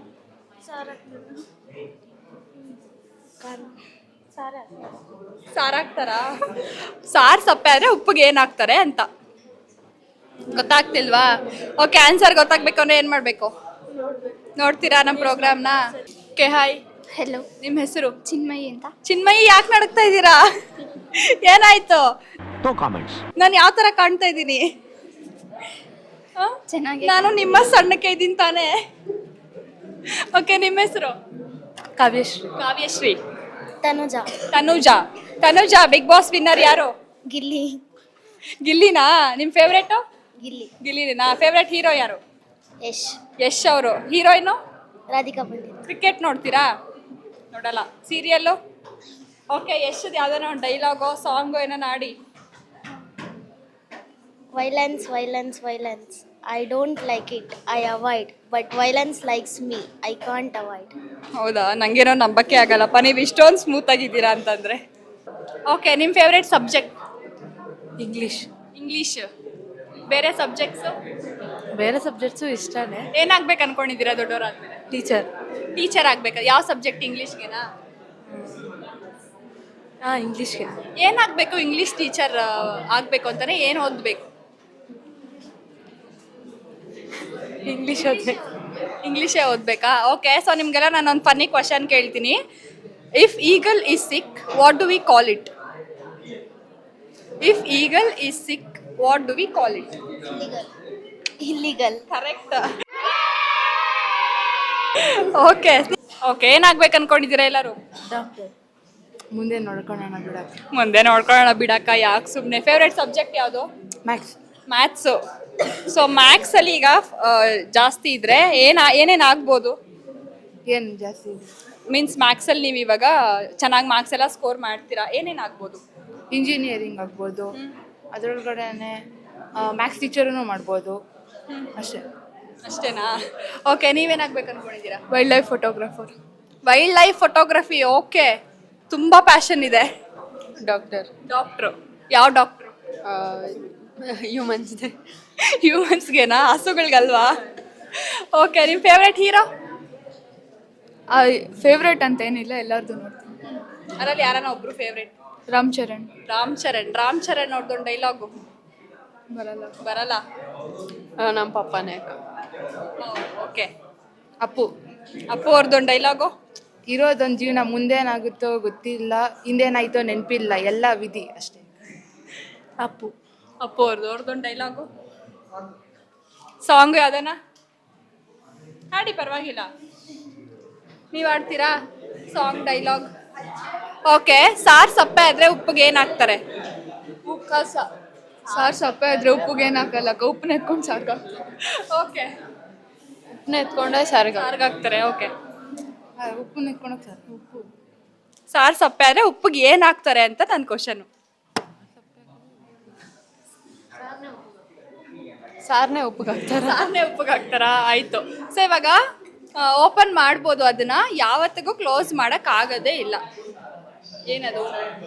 Speaker 1: ಸಾರು ಹಾಕ್ತಾರಾ? ಸಾರು ಸಪ್ಪೆ ಆದ್ರೆ ಉಪ್ಪಿಗೆ ಏನಾಗ್ತಾರೆ ಅಂತ ಗೊತ್ತಾಗ್ತಿಲ್ವಾ? ಓಕೆ. ಆನ್ಸರ್ ಗೊತ್ತಾಗ್ಬೇಕು ಅಂದ್ರೆ ಏನ್ ಮಾಡ್ಬೇಕು? ನೋಡ್ತೀರಾ ನಮ್ಮ ಪ್ರೋಗ್ರಾಮ್ನ? ಓಕೆ. ಹಾಯ್.
Speaker 3: ಹೆಲೋ.
Speaker 1: ನಿಮ್ಮ ಹೆಸರು?
Speaker 3: ಚಿನ್ಮಯಿ ಅಂತ.
Speaker 1: ಚಿನ್ಮಯಿ. ಯಾಕೆ ನಡಕ್ತಾ ಇದ್ದೀರಾ? ಏನಾಯ್ತು? ನಾನು ಯಾವ ತರ ಕಾಣ್ತಾ ಇದ್ದೀನಿ?
Speaker 3: ಚೆನ್ನಾಗಿ.
Speaker 1: ನಾನು ನಿಮ್ಮ ಸಣ್ಣಕ್ಕೆ ಇದ್ದೀನಿ ತಾನೇ? ಓಕೆ. ನಿಮ್ಮ ಹೆಸರು?
Speaker 9: Kavyashree.
Speaker 1: Kavyashree.
Speaker 3: Tanuja.
Speaker 1: Tanuja. Tanuja. Bigg Boss winner ಯಾರು?
Speaker 3: ಗಿಲ್ಲಿ.
Speaker 1: ಗಿಲ್ಲಿನಾ? ನಿಮ್ಮ ಫೇವ್ರೇಟು?
Speaker 3: ಗಿಲ್ಲಿ.
Speaker 1: ಗಿಲ್ಲಿನಾ? ಫೇವ್ರೇಟ್ ಹೀರೋ ಯಾರು?
Speaker 3: ಯಶ್.
Speaker 1: ಯಶ್ ಅವರು. ಹೀರೋಯಿನು?
Speaker 3: ರಾಧಿಕಾ ಪಂಡಿತ್.
Speaker 1: ಕ್ರಿಕೆಟ್ ನೋಡ್ತೀರಾ? ನೋಡಲ್ಲ. ಸೀರಿಯಲ್ಲು? ಓಕೆ. ಯಶದ್ ಯಾವ್ದಾನ ಒಂದು ಡೈಲಾಗೋ ಸಾಂಗು ಏನೋ ಆಡಿ.
Speaker 10: Violence, violence, violence. I don't like it. I avoid. But violence likes me. I can't avoid.
Speaker 1: ಹೌದಾ? ನನಗೇನೋ ನಂಬಕ್ಕೆ ಆಗಲ್ಲಪ್ಪ ನೀವು ಇಷ್ಟೊಂದು ಸ್ಮೂತ್ ಆಗಿದ್ದೀರಾ ಅಂತಂದರೆ. ಓಕೆ. ನಿಮ್ಮ ಫೇವ್ರೇಟ್ ಸಬ್ಜೆಕ್ಟ್?
Speaker 9: ಇಂಗ್ಲೀಷ್.
Speaker 1: ಇಂಗ್ಲೀಷ್. ಬೇರೆ ಸಬ್ಜೆಕ್ಟ್ಸು?
Speaker 9: ಬೇರೆ ಸಬ್ಜೆಕ್ಟ್ಸು ಇಷ್ಟನೇ.
Speaker 1: ಏನಾಗ್ಬೇಕು ಅನ್ಕೊಂಡಿದ್ದೀರಾ ದೊಡ್ಡವರಾದ್ಮೇಲೆ?
Speaker 9: ಟೀಚರ್.
Speaker 1: ಟೀಚರ್ ಆಗ್ಬೇಕಾ? ಯಾವ ಸಬ್ಜೆಕ್ಟ್? ಇಂಗ್ಲೀಷ್ಗೆನಾ?
Speaker 9: ಹಾಂ, ಇಂಗ್ಲೀಷ್ಗೆ.
Speaker 1: ಏನಾಗಬೇಕು? ಇಂಗ್ಲೀಷ್ ಟೀಚರ್ ಆಗಬೇಕು ಅಂತಾನೆ ಏನು ಓದಬೇಕು?
Speaker 9: ಇಂಗ್ಲೀಷ್ ಓದಬೇಕು.
Speaker 1: ಇಂಗ್ಲೀಷೇ ಓದಬೇಕಾ? ಓಕೆ. ಸೊ ನಿಮಗೆಲ್ಲ ನಾನು ಒಂದು ಫನ್ನಿ ಕ್ವಶನ್ ಕೇಳ್ತೀನಿ. If eagle is sick what do we call it? If eagle is sick what do we call it?
Speaker 10: Illegal. Illegal.
Speaker 1: Correct. Okay. Okay. ಏನಾಗ್ಬೇಕು ಅನ್ಕೊಂಡಿದ್ದೀರಾ ಎಲ್ಲರೂ?
Speaker 9: ಡಾಕ್ಟರ್. ಮುಂದೆ ನೋಡ್ಕೊಳ್ಳೋಣ ಬಿಡಕ್ಕ.
Speaker 1: ಮುಂದೆ ನೋಡ್ಕೊಳ್ಳೋಣ ಬಿಡಕ್ಕ. ಯಾಕೆ ಸುಮ್ಮನೆ? ಫೇವ್ರೇಟ್ ಸಬ್ಜೆಕ್ಟ್ ಯಾವುದು?
Speaker 9: ಮ್ಯಾಥ್ಸ್.
Speaker 1: ಮ್ಯಾಥ್ಸು. ಸೊ ಮ್ಯಾಥ್ಸಲ್ಲಿ ಈಗ ಆ, ಜಾಸ್ತಿ ಇದ್ರೆ ಏನ ಏನೇನು ಆಗ್ಬೋದು?
Speaker 9: ಏನು ಜಾಸ್ತಿ ಇದೆ?
Speaker 1: ಮೀನ್ಸ್ ಮ್ಯಾಥ್ಸಲ್ಲಿ ನೀವು ಇವಾಗ ಚೆನ್ನಾಗಿ ಮಾರ್ಕ್ಸ್ ಎಲ್ಲ ಸ್ಕೋರ್ ಮಾಡ್ತೀರಾ, ಏನೇನು ಆಗ್ಬೋದು?
Speaker 9: ಇಂಜಿನಿಯರಿಂಗ್ ಆಗ್ಬೋದು, ಅದರೊಳಗಡೆ ಮ್ಯಾಥ್ಸ್ ಟೀಚರೂ ಮಾಡ್ಬೋದು, ಅಷ್ಟೇ.
Speaker 1: ಅಷ್ಟೇನಾ? ಓಕೆ. ನೀವೇನಾಗ್ಬೇಕು ಅನ್ಕೊಂಡಿದ್ದೀರಾ?
Speaker 3: Wildlife photographer.
Speaker 1: Wildlife photography. Okay. ತುಂಬ ಪ್ಯಾಷನ್ ಇದೆ.
Speaker 3: ಡಾಕ್ಟರ್
Speaker 1: ಡಾಕ್ಟ್ರು ಯಾವ ಡಾಕ್ಟ್ರು?
Speaker 3: ಹ್ಯೂಮನ್ಸ್
Speaker 1: ಹ್ಯೂಮನ್ಸ್ಗೆನಾ, ಹಸುಗಳ್ಗಲ್ವಾ? ಓಕೆ, ನಿಮ್ಮ ಫೇವ್ರೆಟ್ ಹೀರೋ?
Speaker 9: ಫೇವ್ರೇಟ್ ಅಂತ ಏನಿಲ್ಲ, ಎಲ್ಲರದು ನೋಡ್ತೀನಿ.
Speaker 1: ಅದರಲ್ಲಿ ಯಾರನ್ನ ಒಬ್ರು ಫೇವ್ರೆಟ್?
Speaker 9: ರಾಮ್ ಚರಣ್
Speaker 1: ರಾಮ್ ಚರಣ್. ರಾಮ್ ಚರಣ್ ಅವ್ರದ್ದೊಂದು ಡೈಲಾಗು
Speaker 9: ಬರಲ್ಲ.
Speaker 1: ಬರಲ್ಲ?
Speaker 3: ನಮ್ಮ ಪಪ್ಪನೇ ಅಕ್ಕ.
Speaker 1: ಓಕೆ.
Speaker 9: ಅಪ್ಪು
Speaker 1: ಅಪ್ಪು ಅವ್ರದ್ದೊಂದು ಡೈಲಾಗು?
Speaker 9: ಇರೋದೊಂದು ಜೀವನ, ಮುಂದೇನಾಗುತ್ತೋ ಗೊತ್ತಿಲ್ಲ, ಹಿಂದೇನಾಯ್ತೋ ನೆನಪಿಲ್ಲ, ಎಲ್ಲ ವಿಧಿ ಅಷ್ಟೇ.
Speaker 1: ಅಪ್ಪು. ಅಪ್ಪು ಅವ್ರದ್ದು ಅವ್ರದ್ದೊಂದು ಡೈಲಾಗು? ಸಾಂಗ್ ಯಾವ್ದನ ಹಾಡಿ, ಪರವಾಗಿಲ್ಲ. ನೀವು ಆಡ್ತೀರಾ ಸಾಂಗ್, ಡೈಲಾಗ್? ಓಕೆ. ಸಾರ್ ಸಪ್ಪೆ ಆದ್ರೆ ಉಪ್ಪಿಗೆ ಏನು ಹಾಕ್ತಾರೆ?
Speaker 9: ಉಪ್ಪ ಸಾರು ಸಪ್ಪೆ ಆದ್ರೆ ಉಪ್ಪಿಗೆ ಏನು ಹಾಕಲ್ಲ, ಉಪ್ಪನ್ನ ಎತ್ಕೊಂಡು ಸಾರ್ಗ.
Speaker 1: ಓಕೆ.
Speaker 3: ಉಪ್ಪನ್ನ ಎತ್ಕೊಂಡೆ ಸಾರಿಗೆ
Speaker 1: ಸಾರ್ಗೆ ಹಾಕ್ತಾರೆ. ಓಕೆ.
Speaker 9: ಉಪ್ಪನ್ನ ಎತ್ಕೊಂಡೋಗಿ ಸಾರು. ಉಪ್ಪು
Speaker 1: ಸಾರ್ ಸಪ್ಪೆ ಆದ್ರೆ ಉಪ್ಪಿಗೆ ಏನು ಹಾಕ್ತಾರೆ ಅಂತ ನನ್ನ ಕ್ವಶನು.
Speaker 3: ಸಾರನೇ ಉಪ್ಪಿಗೆ ಹಾಕ್ತಾರೆ.
Speaker 1: ಸಾರನೇ ಉಪ್ಪಿಗೆ ಹಾಕ್ತಾರಾ? ಆಯ್ತು. ಸೊ ಇವಾಗ ಓಪನ್ ಮಾಡ್ಬೋದು, ಅದನ್ನ ಯಾವತ್ತಿಗೂ ಕ್ಲೋಸ್ ಮಾಡಕ್ ಆಗೋದೇ ಇಲ್ಲ. ಏನದು?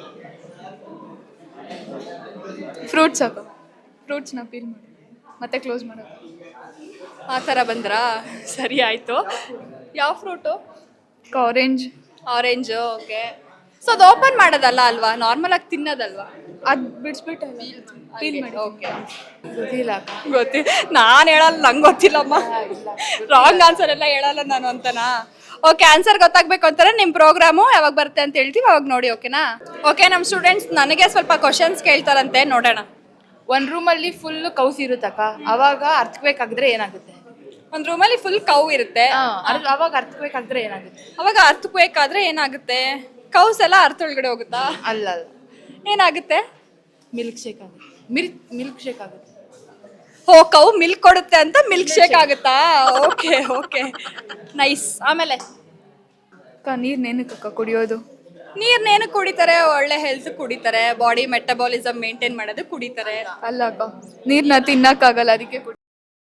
Speaker 9: ಫ್ರೂಟ್ಸ್ ಹಾಕೋ, ಫ್ರೂಟ್ಸ್ನ ಪೀಲ್ ಮಾಡಿ ಮತ್ತೆ ಕ್ಲೋಸ್ ಮಾಡೋದು.
Speaker 1: ಆ ಥರ ಬಂದ್ರಾ? ಸರಿ ಆಯಿತು. ಯಾವ fruit?
Speaker 9: Orange.
Speaker 1: Orange. Okay. So ಅದು ಓಪನ್ ಮಾಡೋದಲ್ಲ ಅಲ್ವಾ, ನಾರ್ಮಲ್ ಆಗಿ ತಿನ್ನೋದಲ್ವಾ?
Speaker 9: ಅದು ಬಿಡಿಸ್ಬಿಟ್ಟು ಪೀಲ್ ಮಾಡಿ.
Speaker 1: ಓಕೆ.
Speaker 9: ಗೊತ್ತಿಲ್ಲ.
Speaker 1: ಗೊತ್ತಿ ನಾನು ಹೇಳಲ್ಲ, ನಂಗೆ ಗೊತ್ತಿಲ್ಲಮ್ಮ. ರಾಂಗ್ ಆನ್ಸರ್ ಎಲ್ಲ ಹೇಳಲ್ಲ ನಾನು ಅಂತನಾ? ಓಕೆ. ಆನ್ಸರ್ ಗೊತ್ತಾಗಬೇಕು ಅಂತಾರೆ ನಿಮ್ಮ ಪ್ರೋಗ್ರಾಮು ಯಾವಾಗ ಬರುತ್ತೆ ಅಂತ ಹೇಳ್ತೀವಿ, ಅವಾಗ ನೋಡಿ. ಓಕೆನಾ? ಓಕೆ. ನಮ್ಮ ಸ್ಟೂಡೆಂಟ್ಸ್ ನನಗೆ ಸ್ವಲ್ಪ ಕ್ವಶನ್ಸ್ ಕೇಳ್ತಾರಂತೆ, ನೋಡೋಣ.
Speaker 9: ಒಂದು ರೂಮಲ್ಲಿ ಫುಲ್ ಕೌಸ್ ಇರುತ್ತಕ್ಕ, ಅವಾಗ ಅರ್ಥಕ್ಬೇಕಾಗಿದ್ರೆ ಏನಾಗುತ್ತೆ?
Speaker 1: ಒಂದು ರೂಮಲ್ಲಿ ಫುಲ್ ಕೌ ಇರುತ್ತೆ,
Speaker 9: ಅವಾಗ ಅರ್ಥಕ್ಬೇಕಾಗಿದ್ರೆ ಏನಾಗುತ್ತೆ?
Speaker 1: ಅವಾಗ ಅರ್ಥಕ್ಬೇಕಾದ್ರೆ ಏನಾಗುತ್ತೆ? ಕೌಸ್ ಎಲ್ಲ ಅರ್ಥ ಒಳಗಡೆ ಹೋಗುತ್ತಾ?
Speaker 9: ಅಲ್ಲ ಅಲ್ಲ,
Speaker 1: ಏನಾಗುತ್ತೆ?
Speaker 9: ಮಿಲ್ಕ್ ಶೇಕ್ ಆಗುತ್ತೆ. ಮಿಲ್ಕ್ ಮಿಲ್ಕ್ ಶೇಕ್ ಆಗುತ್ತೆ.
Speaker 1: ಓ, ಕೌ ಮಿಲ್ಕ್ ಕೊಡುತ್ತೆ ಅಂತ ಮಿಲ್ಕ್ ಶೇಕ್ ಆಗುತ್ತಾ? Okay okay, nice. ಆಮೇಲೆ
Speaker 9: ನೀರು ನೇನಕ್ಕ ಕುಡಿಯೋದು?
Speaker 1: ನೀರ್ನೇನು ಕುಡಿತಾರೆ? ಒಳ್ಳೆ ಹೆಲ್ತ್ ಕುಡಿತಾರೆ, ಬಾಡಿ ಮೆಟಬಾಲಿಸಮ್ ಮೇಂಟೈನ್ ಮಾಡೋದು ಕುಡಿತಾರೆ.
Speaker 9: ಅಲ್ಲ ಅಕ್ಕ, ನೀರ್ನ ತಿನ್ನಕ್ಕಾಗಲ್ಲ, ಅದಕ್ಕೆ ಕುಡಿ.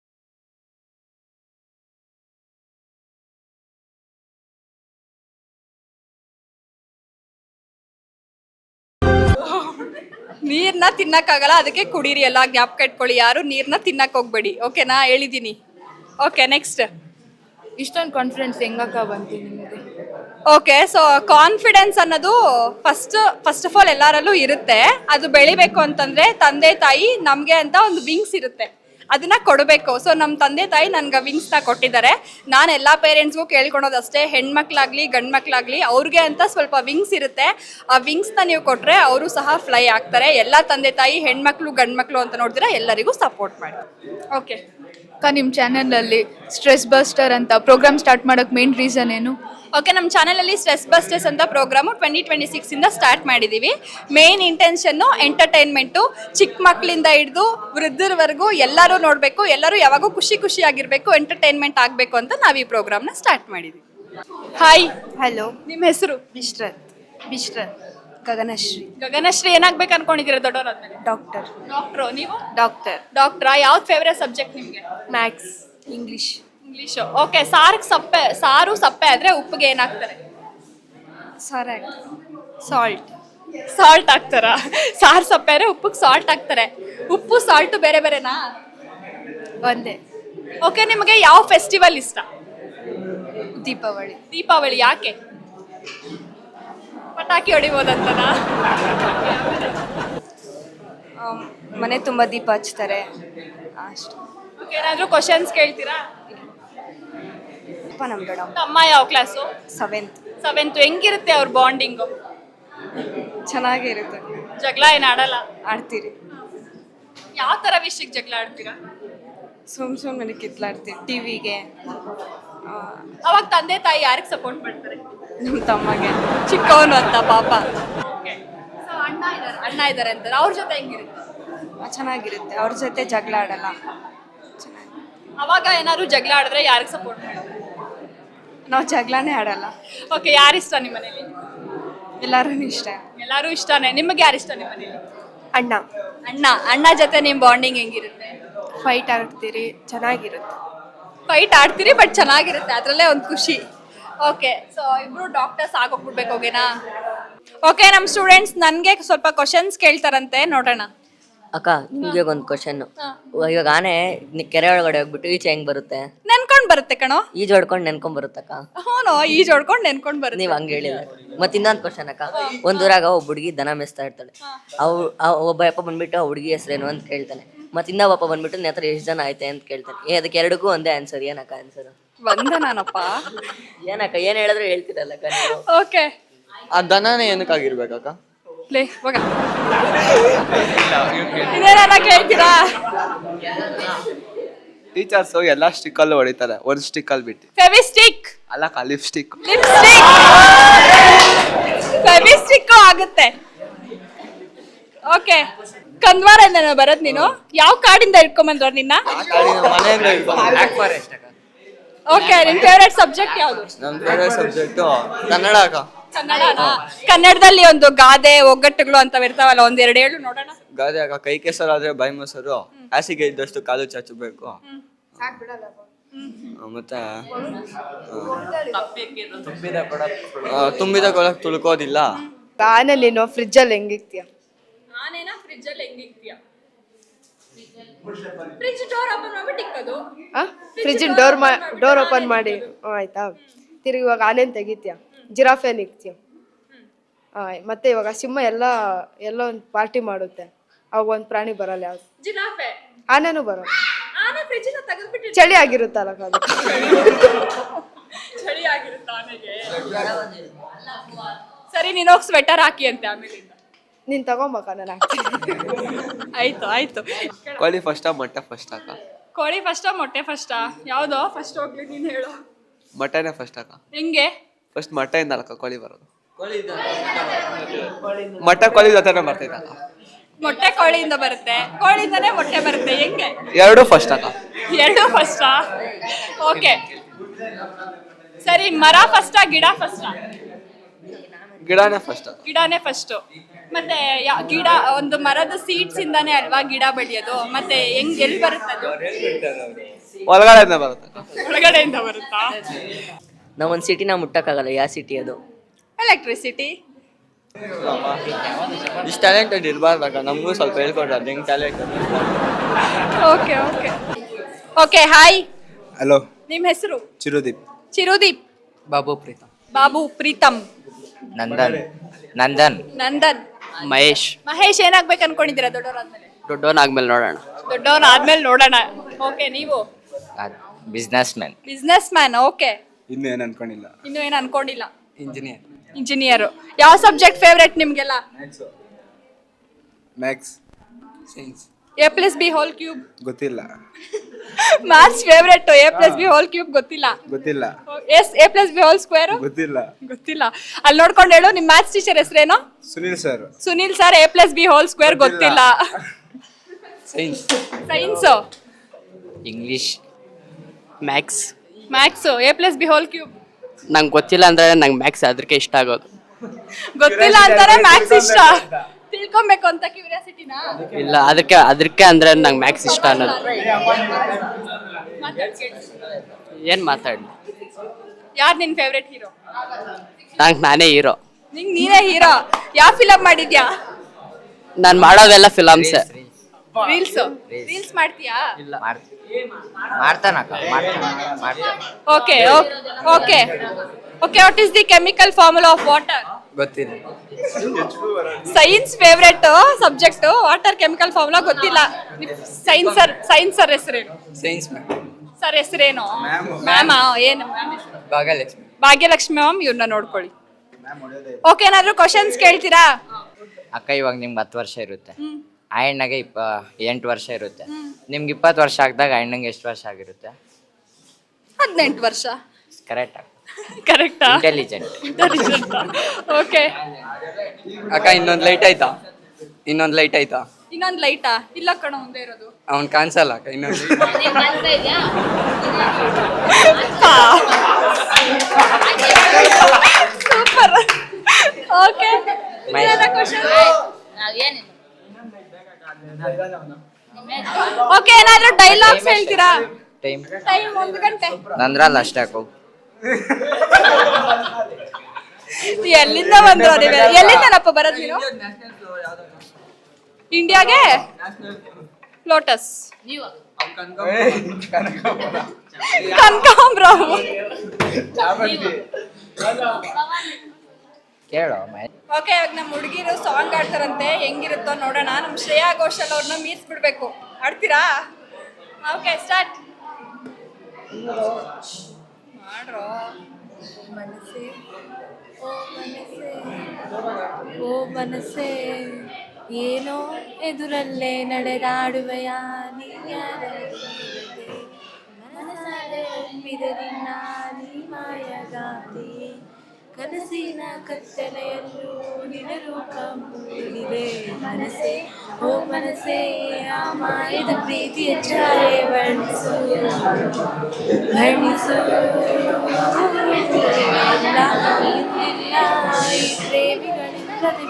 Speaker 1: ನೀರ್ನ ತಿನ್ನಕ್ಕಾಗಲ್ಲ, ಅದಕ್ಕೆ ಕುಡೀರಿ. ಎಲ್ಲ ಜ್ಞಾಪಕ ಇಟ್ಕೊಳ್ಳಿ, ಯಾರು ನೀರ್ನ ತಿನ್ನಕ್ ಹೋಗ್ಬೇಡಿ. ಓಕೆನಾ? ಹೇಳಿದ್ದೀನಿ. Okay, next.
Speaker 9: ಇಷ್ಟೊಂದು ಕಾನ್ಫಿಡೆನ್ಸ್ ಹೆಂಗಕ್ಕ ಬಂತು ನಿಮಗೆ?
Speaker 1: ಓಕೆ. ಸೊ ಕಾನ್ಫಿಡೆನ್ಸ್ ಅನ್ನೋದು ಫಸ್ಟ್ ಫಸ್ಟ್ ಆಫ್ ಆಲ್ ಎಲ್ಲರಲ್ಲೂ ಇರುತ್ತೆ. ಅದು ಬೆಳಿಬೇಕು ಅಂತಂದ್ರೆ ತಂದೆ ತಾಯಿ ನಮಗೆ ಅಂತ ಒಂದು ವಿಂಗ್ಸ್ ಇರುತ್ತೆ, ಅದನ್ನ ಕೊಡಬೇಕು. ಸೊ ನಮ್ಮ ತಂದೆ ತಾಯಿ ನನ್ಗೆ ವಿಂಗ್ಸ್ನ ಕೊಟ್ಟಿದ್ದಾರೆ. ನಾನು ಎಲ್ಲ ಪೇರೆಂಟ್ಸ್ಗೂ ಕೇಳ್ಕೊಳೋದಷ್ಟೇ, ಹೆಣ್ಮಕ್ಳಾಗ್ಲಿ ಗಂಡು ಮಕ್ಳಾಗ್ಲಿ ಅವ್ರಿಗೆ ಅಂತ ಸ್ವಲ್ಪ ವಿಂಗ್ಸ್ ಇರುತ್ತೆ. ಆ ವಿಂಗ್ಸ್ನ ನೀವು ಕೊಟ್ಟರೆ ಅವರು ಸಹ ಫ್ಲೈ ಆಗ್ತಾರೆ. ಎಲ್ಲ ತಂದೆ ತಾಯಿ ಹೆಣ್ಮಕ್ಳು ಗಂಡು ಮಕ್ಳು ಅಂತ ನೋಡಿದ್ರೆ ಎಲ್ಲರಿಗೂ ಸಪೋರ್ಟ್ ಮಾಡಿ. ಓಕೆ
Speaker 9: ಅಕ್ಕ, ನಿಮ್ಮ ಚಾನಲಲ್ಲಿ ಸ್ಟ್ರೆಸ್ ಬಸ್ಟರ್ ಅಂತ ಪ್ರೋಗ್ರಾಮ್ ಸ್ಟಾರ್ಟ್ ಮಾಡೋಕ್ಕೆ ಮೇನ್ ರೀಸನ್ ಏನು?
Speaker 1: ಓಕೆ, ನಮ್ಮ ಚಾನಲಲ್ಲಿ ಸ್ಟ್ರೆಸ್ ಬಸ್ಟರ್ಸ್ ಅಂತ ಪ್ರೋಗ್ರಾಮು ಟ್ವೆಂಟಿ ಟ್ವೆಂಟಿ ಸಿಕ್ಸಿಂದ ಸ್ಟಾರ್ಟ್ ಮಾಡಿದ್ದೀವಿ. ಮೇನ್ ಇಂಟೆನ್ಷನ್ನು ಎಂಟರ್ಟೈನ್ಮೆಂಟು, ಚಿಕ್ಕ ಮಕ್ಕಳಿಂದ ಹಿಡಿದು ವೃದ್ಧರವರೆಗೂ ಎಲ್ಲರೂ ನೋಡಬೇಕು, ಎಲ್ಲರೂ ಯಾವಾಗೂ ಖುಷಿ ಖುಷಿಯಾಗಿರಬೇಕು, ಎಂಟರ್ಟೈನ್ಮೆಂಟ್ ಆಗಬೇಕು ಅಂತ ನಾವು ಈ ಪ್ರೋಗ್ರಾಮ್ನ ಸ್ಟಾರ್ಟ್ ಮಾಡಿದ್ದೀವಿ. ಹಾಯ್.
Speaker 3: ಹಲೋ.
Speaker 1: ನಿಮ್ಮ ಹೆಸರು?
Speaker 3: ಬಿಶ್ರತ್. ಬಿಶ್ರತ್. ಗಗನಶ್ರೀ.
Speaker 1: ಗಗನಶ್ರೀ. ಏನಾಗ್ಬೇಕು ಅನ್ಕೊಂಡಿದ್ದೀರಾ ದೊಡ್ಡವರಾದ್ಮೇಲೆ?
Speaker 3: ಡಾಕ್ಟರ್.
Speaker 1: ಡಾಕ್ಟ್ರು. ನೀವು?
Speaker 3: ಡಾಕ್ಟರ್.
Speaker 1: ಡಾಕ್ಟ್ರಾ? ಯಾವ್ದು ಫೇವ್ರೆಟ್ ಸಬ್ಜೆಕ್ಟ್ ನಿಮಗೆ?
Speaker 3: ಮ್ಯಾಥ್ಸ್. ಇಂಗ್ಲೀಷ್.
Speaker 1: ಇಂಗ್ಲೀಷು. ಓಕೆ. ಸಾರಿಗೆ ಸಪ್ಪೆ ಸಾರು ಸಪ್ಪೆ ಆದರೆ ಉಪ್ಪಿಗೆ ಏನಾಗ್ತಾರೆ?
Speaker 3: ಸಾರ ಸಾಲ್ಟ್.
Speaker 1: ಸಾಲ್ಟ್ ಹಾಕ್ತಾರಾ? ಸಾರು ಸಪ್ಪೆ ಆದರೆ ಉಪ್ಪಿಗೆ ಸಾಲ್ಟ್ ಹಾಕ್ತಾರೆ. ಉಪ್ಪು ಸಾಲ್ಟು ಬೇರೆ ಬೇರೆನಾ?
Speaker 3: ಒಂದೇ.
Speaker 1: ಓಕೆ. ನಿಮಗೆ ಯಾವ ಫೆಸ್ಟಿವಲ್ ಇಷ್ಟ?
Speaker 3: ದೀಪಾವಳಿ.
Speaker 1: ದೀಪಾವಳಿ. ಯಾಕೆ? ಪಟಾಕಿ ಹೊಡಿಬೋದಂತನಾ?
Speaker 3: ಮನೆ ತುಂಬ ದೀಪ ಹಚ್ತಾರೆ ಅಷ್ಟು.
Speaker 1: ಓಕೆ. ಏನಾದರೂ ಕ್ವಶನ್ಸ್ ಕೇಳ್ತೀರಾ?
Speaker 3: ಅಪ್ಪ ನಮ್ಮ ದೊಡ್ಡಮ್ಮ.
Speaker 1: ತಮ್ಮ ಯಾವ ಕ್ಲಾಸು?
Speaker 3: ಸೆವೆಂತ್.
Speaker 1: ಸೆವೆಂತು. ಹೆಂಗಿರುತ್ತೆ ಅವ್ರ ಬಾಂಡಿಂಗು?
Speaker 3: ಚೆನ್ನಾಗಿರುತ್ತೆ.
Speaker 1: ಜಗಳ ಏನು ಆಡಲ್ಲ?
Speaker 3: ಆಡ್ತೀರಿ.
Speaker 1: ಯಾವ ಥರ ವಿಷಯಕ್ಕೆ ಜಗಳ ಆಡ್ತೀರಾ?
Speaker 3: ಸುಮ್ ಸುಮ್ಮನೆ ಕಿತ್ಲಾಡ್ತೀವಿ ಟಿವಿಗೆ.
Speaker 1: ಅವಾಗ ತಂದೆ ತಾಯಿ ಯಾರಿಗೆ ಸಪೋರ್ಟ್ ಮಾಡ್ತಾರೆ?
Speaker 3: ನಮ್ಮ ತಮ್ಮಗೆ.
Speaker 1: ಚಿಕ್ಕವನು ಅಂತ ಪಾಪ. ಓಕೆ. ಸೊ ಅಣ್ಣ ಇದ್ದಾರೆ ಅಣ್ಣ ಇದ್ದಾರೆ ಅಂತಾರೆ, ಅವ್ರ ಜೊತೆ ಹೆಂಗಿರುತ್ತೆ?
Speaker 3: ಚೆನ್ನಾಗಿರುತ್ತೆ, ಅವ್ರ ಜೊತೆ ಜಗಳ ಆಡಲ್ಲ. ಚೆನ್ನಾಗಿ.
Speaker 1: ಅವಾಗ ಏನಾದ್ರು ಜಗಳ ಆಡಿದ್ರೆ ಯಾರಿಗೆ ಸಪೋರ್ಟ್ ಮಾಡ್ತಾರೆ?
Speaker 3: ನಾವು ಜಗಳನೇ ಆಡಲ್ಲ.
Speaker 1: ಓಕೆ. ಯಾರು ಇಷ್ಟ ನಿಮ್ಮ ಮನೇಲಿ?
Speaker 3: ಎಲ್ಲರೂ ಇಷ್ಟ.
Speaker 1: ಎಲ್ಲರೂ ಇಷ್ಟನೇ. ನಿಮಗೆ ಯಾರು ಇಷ್ಟ ನಿಮ್ಮ ಮನೇಲಿ?
Speaker 3: ಅಣ್ಣ.
Speaker 1: ಅಣ್ಣ. ಅಣ್ಣ ಜೊತೆ ನಿಮ್ಮ ಬಾಂಡಿಂಗ್ ಹೆಂಗಿರುತ್ತೆ?
Speaker 3: ಫೈಟ್ ಆಡ್ತೀರಿ, ಚೆನ್ನಾಗಿರುತ್ತೆ.
Speaker 1: ಫೈಟ್ ಆಡ್ತೀರಿ ಬಟ್ ಚೆನ್ನಾಗಿರುತ್ತೆ, ಅದರಲ್ಲೇ ಒಂದು ಖುಷಿ. ಓಕೆ. ಸೊ ಇಬ್ರು ಡಾಕ್ಟರ್ಸ್ ಆಗೋಗ್ಬಿಡ್ಬೇಕು. ಓಕೆನಾ? ಓಕೆ ನಮ್ಮ ಸ್ಟೂಡೆಂಟ್ಸ್ ನನಗೆ ಸ್ವಲ್ಪ ಕ್ವಶನ್ಸ್ ಕೇಳ್ತಾರಂತೆ, ನೋಡೋಣ.
Speaker 11: ಅಕ್ಕ ನಿಮ್ಗೆ ಒಂದು ಕ್ವಶನ್. ಇವಾಗ ಆನೆ ನಿ- ಕೆರೆ ಒಳಗಡೆ ಹೋಗ್ಬಿಟ್ಟು ಈಚೆ ಹೆಂಗ್ ಬರುತ್ತೆ?
Speaker 1: ನೆನ್ಕೊಂಡ್ ಬರುತ್ತೆ ಕಣೋ.
Speaker 11: ಈಜು ಹೊಡ್ಕೊಂಡು ನೆನ್ಕೊಂಡ್ ಬರುತ್ತಕ್ಕ.
Speaker 1: ಹ್ಞೂ ಈಜ್ ಹೊಡ್ಕೊಂಡು ನೆನ್ಕೊಂಡ್ ಬರುತ್ತೆ.
Speaker 11: ನೀವ್ ಹಂಗ ಹೇಳಿಲ್ಲ. ಮತ್ ಇನ್ನೊಂದ್ ಕ್ವಶನ್ ಅಕ್ಕ. ಒಂದ್ ಊರಾಗ ಒಬ್ಬ ಹುಡುಗಿ ದನ ಮೇಯಿಸ್ತಾ ಇರ್ತಾಳೆ. ಅವ್ ಆ ಒಬ್ಬ ಯಪ್ಪ ಬಂದ್ಬಿಟ್ಟು ಆ ಹುಡುಗಿ ಹೆಸರೇನು ಅಂತ ಕೇಳ್ತಾನೆ. ಮತ್ ಇನ್ನೊಬ್ಬ ಬಂದ್ಬಿಟ್ಟು ನಿನ್ನ ಹತ್ರ ಎಷ್ಟು ಜನ ಆಯ್ತೆ ಅಂತ ಕೇಳ್ತಾನೆ. ಏ ಅದಕ್ಕೆ ಎರಡಕ್ಕೂ ಒಂದೇ ಆನ್ಸರ್. ಏನಕ್ಕ ಆನ್ಸರ್?
Speaker 1: ವಂದನಾನಪ್ಪ.
Speaker 11: ಏನಕ್ಕ ಏನ್ ಹೇಳಿದ್ರು ಹೇಳ್ತಿರಲ್ಲಕ್ಕ ನೀವು.
Speaker 1: ಓಕೆ,
Speaker 2: ಆ ದನನೇ ಏನಕ್ಕಾಗಿರ್ಬೇಕಕ್ಕ?
Speaker 1: ಲೇ ಹೋಗ. ಇದೇನ ಕೇಳ್ತೀರಾ?
Speaker 2: ಟೀಚರ್ಸ್ ಎಲ್ಲ ಸ್ಟಿಕ್ಕಲ್ಲೂ ಹೊಡಿತಾರೆ, ಒಂದು ಸ್ಟಿಕ್ಕಲ್ಲಿ ಬಿಟ್ಟು.
Speaker 1: ಫೆವಿಸ್ಟಿಕ್
Speaker 2: ಅಲ್ಲ ಲಿಪ್ಸ್ಟಿಕ್.
Speaker 1: ಲಿಪ್ಸ್ಟಿಕ್ ಫೆವಿಸ್ಟಿಕ್ ಆಗುತ್ತೆ. ಓಕೆ, ಕಂದ್ವಾರದಿಂದ ಬರೋದ್ ನೀನು? ಯಾವ ಕಾಡಿಂದ ಇಟ್ಕೊಂಬಂದ್ರ ನಿನ್ನ?
Speaker 2: ಮನೆಯಿಂದ
Speaker 7: ಬ್ಲ್ಯಾಕ್ ಫಾರೆಸ್ಟ್ ಅಕ್ಕ.
Speaker 1: ಓಕೆ, ನಿನ್ ಫೇವ್ರೆಟ್ ಸಬ್ಜೆಕ್ಟ್ ಯಾವುದು?
Speaker 2: ನಮ್ಮ ಫೇವ್ರೆಟ್ ಸಬ್ಜೆಕ್ಟು ಕನ್ನಡ ಅಕ್ಕ.
Speaker 1: ಕನ್ನಡನಾ? ಕನ್ನಡದಲ್ಲಿ ಒಂದು ಗಾದೆ ಒಗ್ಗಟ್ಟುಗಳು ಅಂತ ಇರ್ತಾವಲ್ಲ, ಒಂದ್ ಎರಡು ಹೇಳು ನೋಡೋಣ.
Speaker 2: ಗಾದೆ ಅಕ್ಕ. ಕೈ ಕೆಸರಾದ್ರೆ ಬಾಯಿ ಮೊಸರು, ಹಾಸಿಗೆ ಇದ್ದಷ್ಟು ಕಾಲು ಚಾಚಬೇಕು. ಮತ್ತೆ ಆ, ತುಂಬಿದ ಕೊಳಕ್ ತುಳ್ಕೋದಿಲ್ಲ.
Speaker 3: ಆನೆ ನೀನು ಫ್ರಿಜ್ ಅಲ್ಲಿ ಹೆಂಗಿಕ್ತೀಯ?
Speaker 1: ಆನೇನಾ ಫ್ರಿಜ್ ಅಲ್ಲಿ ಹೆಂಗಿಕ್ತೀಯ? ಫ್ರಿಜ್ ಡೋರ್ ಓಪನ್ ಮಾಡ್ಬಿಟ್ಟು ಇಕ್ಕೋದು.
Speaker 3: ಫ್ರಿಜ್ ಡೋರ್ ಡೋರ್ ಓಪನ್ ಮಾಡಿ ಹ್ಮ್, ಆಯ್ತಾ? ತಿರುಗಿ ಇವಾಗ ಆನೆನ್ ತೆಗಿತೀಯ, ಜಿರಾಫೆನ್ ಇಕ್ತೀಯ. ಆ, ಮತ್ತೆ ಇವಾಗ ಸಿಂಹ ಎಲ್ಲ ಎಲ್ಲ ಒಂದು ಪಾರ್ಟಿ ಮಾಡುತ್ತೆ, ಅವಾಗ ಒಂದು ಪ್ರಾಣಿ ಬರಲ್ಲ. ಯಾವ್ದು?
Speaker 1: ಜಿರಾಫೆ.
Speaker 3: ಆನೆನೂ ಬರಲ್ಲ.
Speaker 1: ಆನೆ ಫ್ರಿಜ್ ಇಂದ ತೆಗೆದ್ಬಿಟ್ಟು
Speaker 3: ಚಳಿ ಆಗಿರುತ್ತಲ್ಲ ಅದು.
Speaker 1: ಚಳಿ ಆಗಿರುತ್ತೆ ಆನೆಗೆ. ಸರಿ, ನೀನ್ ಹೋಗಿ ಸ್ವೆಟರ್ ಹಾಕಿ ಅಂತೆ ಆಮೇಲಿಂದ.
Speaker 3: ನೀನ್ ತಗೊಂಬಕ ನಾನು ಹಾಕ್ತೀನಿ.
Speaker 1: ಆಯ್ತು ಆಯ್ತು.
Speaker 2: ಕೋಳಿ ಫಸ್ಟಾ ಮೊಟ್ಟೆ ಫಸ್ಟ್ ಅಕ್ಕ?
Speaker 1: ಕೋಳಿ ಫಸ್ಟಾ ಮೊಟ್ಟೆ ಫಸ್ಟಾ? ಯಾವ್ದೋ ಫಸ್ಟ್ ಹೋಗ್ಲಿ ನೀನ್ ಹೇಳು.
Speaker 2: ಮೊಟ್ಟೆನೇ ಫಸ್ಟ್ ಅಕ್ಕ.
Speaker 1: ಹೆಂಗೆ?
Speaker 2: ಫಸ್ಟ್ ಮೊಟ್ಟೆಯಿಂದ ಅಕ್ಕ ಕೋಳಿ ಬರೋದು. ಮೊಟ್ಟೆ ಕೋಳಿ ಜೊತೆನೇ ಬರ್ತೈತೆ ಅಕ್ಕ.
Speaker 1: ಮೊಟ್ಟೆ ಕೋಳಿಯಿಂದ ಬರುತ್ತೆ, ಕೋಳಿಯಿಂದನೇ ಮೊಟ್ಟೆ ಬರುತ್ತೆ. ಹೆಂಗೆ?
Speaker 2: ಎರಡು ಫಸ್ಟ್ ಅಕ್ಕ.
Speaker 1: ಎರಡು ಫಸ್ಟಾ? ಓಕೆ ಸರಿ, ಮರ ಫಸ್ಟಾ ಗಿಡ ಫಸ್ಟಾ?
Speaker 2: ಗಿಡನೇ ಫಸ್ಟ್ ಅಕ್ಕ.
Speaker 1: ಗಿಡನೇ ಫಸ್ಟ್. ಮತ್ತೆ ಯಾ- ಗಿಡ ಒಂದು ಮರದ ಸೀಡ್ಸ್ ಇಂದಾನೇ ಅಲ್ವಾ ಗಿಡ ಬೆಳೆಯೋದು? ಮತ್ತೆ ಹೆಂಗ್ ಎಲ್ಲಿ ಬರುತ್ತೆ ಅದು?
Speaker 2: ಒಳಗಡೆಯಿಂದ ಬರುತ್ತೆ ಅಕ್ಕ.
Speaker 1: ಒಳಗಡೆಯಿಂದ ಬರುತ್ತಾ?
Speaker 11: ನಾವ್ ಒಂದ್ ಸಿಟಿನ ಮುಟ್ಟಕ್ಕಾಗಲ್ಲ. ಯಾವ ಸಿಟಿ ಅದು?
Speaker 1: ಎಲೆಕ್ಟ್ರಿಸಿಟಿ.
Speaker 2: ಇಷ್ಟು ಟ್ಯಾಲೆಂಟೆಡ್ ಇರಬಾರ್ದಕ್ಕ. ನಮಗೂ ಸ್ವಲ್ಪ ಹೇಳ್ಕೊಡ್ರಿ ಅದು ಹೆಂಗ್ talent.
Speaker 1: Okay okay okay hi.
Speaker 12: Hello,
Speaker 1: ನಿಮ್ಮ ಹೆಸರು?
Speaker 12: ಚಿರುದೀಪ್.
Speaker 1: ಚಿರುದೀಪ್.
Speaker 7: ಬಾಬು ಪ್ರೀತಮ್.
Speaker 1: ಬಾಬು ಪ್ರೀತಮ್.
Speaker 7: ನಂದನ್. ನಂದನ್.
Speaker 1: ನಂದನ್.
Speaker 6: ಮಹೇಶ್.
Speaker 1: ಮಹೇಶ್ ಏನಾಗ್ಬೇಕು ಅನ್ಕೊಂಡಿದ್ದೀರಾ ದೊಡ್ಡವರಾದ್ಮೇಲೆ?
Speaker 6: ದೊಡ್ಡವನಾದ್ಮೇಲೆ ನೋಡೋಣ.
Speaker 1: ದೊಡ್ಡವನ್ ಆದ್ಮೇಲೆ ನೋಡೋಣ. ಓಕೆ, ನೀವು?
Speaker 7: Business man.
Speaker 1: Business man. Okay,
Speaker 12: ಇನ್ನು ಏನು ಅನ್ಕೊಂಡಿಲ್ಲ.
Speaker 1: ಇನ್ನು ಏನು ಅನ್ಕೊಂಡಿಲ್ಲ.
Speaker 7: ಇಂಜಿನಿಯರ್.
Speaker 1: ಇಂಜಿನಿಯರ್. ಯಾವ ಸಬ್ಜೆಕ್ಟ್ ಫೇವ್ರೆಟ್ ನಿಮ್ಗೆಲ್ಲ?
Speaker 12: Maths.
Speaker 7: Science.
Speaker 1: A plus B whole cube
Speaker 12: ಗೊತ್ತಿಲ್ಲ.
Speaker 1: Maths favourite. A plus B whole cube ಗೊತ್ತಿಲ್ಲ.
Speaker 12: ಗೊತ್ತಿಲ್ಲ.
Speaker 1: Yes A plus B whole square
Speaker 12: ಗೊತ್ತಿಲ್ಲ.
Speaker 1: ಗೊತ್ತಿಲ್ಲ. ಅಲ್ಲಿ ನೋಡ್ಕೊಂಡು ಹೇಳು. ನಿಮ್ ಮ್ಯಾಥ್ಸ್ ಟೀಚರ್ ಹೆಸರೇನು?
Speaker 12: Sunil sir.
Speaker 1: Sunil sir. A plus B whole square ಗೊತ್ತಿಲ್ಲ.
Speaker 7: Science.
Speaker 1: Science.
Speaker 6: English. Maths.
Speaker 1: Maths. A plus B whole cube
Speaker 6: ನಂಗೆ ಗೊತ್ತಿಲ್ಲ ಅಂದ್ರೆ ನಂಗೆ ಮ್ಯಾಕ್ಸ್ ಅದಕ್ಕೆ ಇಷ್ಟ ಆಗೋದು.
Speaker 1: ಗೊತ್ತಿಲ್ಲ ಅಂತಾರೆ ಮ್ಯಾಥ್ಸ್ ಇಷ್ಟ. ತಿಳ್ಕೊಬೇಕು ಅಂತ ಕ್ಯೂರಿಯಾಸಿಟಿನಾ?
Speaker 6: ಇಲ್ಲ, ಅದಕ್ಕೆ ಅದಕ್ಕೆ ಅಂದ್ರೆ ನಂಗೆ ಮ್ಯಾಕ್ಸ್ ಇಷ್ಟ ಅನ್ನೋದು. ಏನ್ ಮಾತಾಡಿ?
Speaker 1: ಯಾರು ನಿನ್ ಫೇವ್ರೆಟ್ ಹೀರೋ?
Speaker 6: ನಂಗೆ ನಾನೇ ಹೀರೋ.
Speaker 1: ನಿಂಗ್ ನೀನೇ ಹೀರೋ? ಯಾವ ಫಿಲಮ್ ಮಾಡಿದ್ಯಾ?
Speaker 6: ನಾನು ಮಾಡೋದೆಲ್ಲ ಫಿಲಮ್ಸ್.
Speaker 1: ರೀಲ್ಸ್ ರೀಲ್ಸ್ ಮಾಡ್ತೀಯಾ?
Speaker 7: ಮಾಡ್ತಾನಕ್ಕ. ಮಾಡ್ತಾನೆ.
Speaker 1: Okay okay okay what is the chemical formula of water?
Speaker 7: ಗೊತ್ತಿಲ್ಲ.
Speaker 1: Science favourite subject. Water chemical formula ಗೊತ್ತಿಲ್ಲ. ಸೈನ್ಸ್ ಸರ್ ಸೈನ್ಸ್ ಸರ್ ಹೆಸರೇನು?
Speaker 7: Science ma'am.
Speaker 1: ಸರ್ ಹೆಸರೇನು? ಮ್ಯಾಮ್ ಏನು?
Speaker 7: ಭಾಗ್ಯಲಕ್ಷ್ಮಿ.
Speaker 1: ಭಾಗ್ಯಲಕ್ಷ್ಮಿ ಮ್ಯಾಮ್. ಇವ್ರನ್ನ ನೋಡ್ಕೊಳ್ಳಿ. ಓಕೆ, ಏನಾದ್ರು ಕ್ವಶನ್ಸ್ ಕೇಳ್ತೀರಾ?
Speaker 7: ಅಕ್ಕ ಇವಾಗ ನಿಮ್ಗೆ ಹತ್ತು ವರ್ಷ ಇರುತ್ತೆ, ಆ ಹೆಣ್ಣಗೆ ಇಪ್ಪ ಎಂಟು ವರ್ಷ ಇರುತ್ತೆ. ನಿಮ್ಗೆ ಇಪ್ಪತ್ತು ವರ್ಷ ಆಗಿದಾಗ ಆ ಹೆಣ್ಣಂಗೆ ಎಷ್ಟು ವರ್ಷ ಆಗಿರುತ್ತೆ?
Speaker 1: ಹದಿನೆಂಟು ವರ್ಷ.
Speaker 7: ಕರೆಕ್ಟ್.
Speaker 1: ಕರೆಕ್ಟಾ?
Speaker 7: ಇಂಟೆಲಿಜೆಂಟ್.
Speaker 1: ಓಕೆ
Speaker 6: ಅಕ್ಕ ಇನ್ನೊಂದು ಲೈಟ್ ಆಯ್ತಾ? ಇನ್ನೊಂದು ಲೈಟ್ ಆಯ್ತಾ?
Speaker 1: ಇನ್ನೊಂದು ಲೈಟಾ? ಇಲ್ಲ ಕಣ, ಮುಂದೆ ಇರೋದು.
Speaker 6: ಅವ್ನು ಕಾಣಿಸಲ್ಲ ಅಕ್ಕ. ಇನ್ನೊಂದು
Speaker 1: ಸೂಪರ್. ಓಕೆ, ಓಕೆ ಏನಾದ್ರೂ ಡೈಲಾಗ್ಸ್ ಹೇಳ್ತೀರಾ?
Speaker 7: ಟೈಮ್
Speaker 1: ಟೈಮ್ ಒಂದು ಗಂಟೆ.
Speaker 7: ನಂದ್ರಲ್ಲ ಅಷ್ಟೇ ಅಕ್ಕ.
Speaker 1: ಎಲ್ಲಿಂದ ಬಂದ್ರು ನೀವು ಎಲ್ಲಿಂದನಪ್ಪ ಬರೋದು ನೀವು ಇಂಡಿಯಾಗೆ ಲೋಟಸ್ ಕನಕಾಂಬ್ರ
Speaker 7: ಕೇಳೋ
Speaker 1: ಓಕೆ ಇವಾಗ ನಮ್ಮ ಹುಡುಗಿರು ಸಾಂಗ್ ಆಡ್ತಾರಂತೆ ಹೆಂಗಿರುತ್ತೋ ನೋಡೋಣ ನಮ್ಮ ಶ್ರೇಯಾ ಘೋಷಾಲ್ ಅವ್ರನ್ನ ಮೀಸ್ ಬಿಡ್ಬೇಕು ಆಡ್ತೀರಾ ಓಕೆ ಸ್ಟಾರ್ಟ್ ಮಾಡ್ರೋ ಮನಸ್ಸೇ ಓ ಮನಸ್ಸೇ ಓ ಮನಸ್ಸೇ ಏನೋ ಎದುರಲ್ಲೇ ನಡೆದಾಡುವೆಯ ಮನಸ್ಸಾರೆ ಒಮ್ಮಿದ ನಿನ್ನ ನೀ ಮಾಯಗಾತಿ ಕನಸಿನ ಕತ್ತಲೆಯಲ್ಲೂ ನಿನ್ನ ರೂಪ ಮೂಡಿದೆ ಮನಸ್ಸೇ ಓ ಮನಸ್ಸೇ ಆ ಮಾಯದ ಪ್ರೀತಿಯ ಛಾಯೆ ವರ್ಣಿಸು ವರ್ಣಿಸು ಇಲ್ಲ ಇಂದಿಲ್ಲ ಈ ಪ್ರೇಮಿಗಳಿಲ್ಲದೆ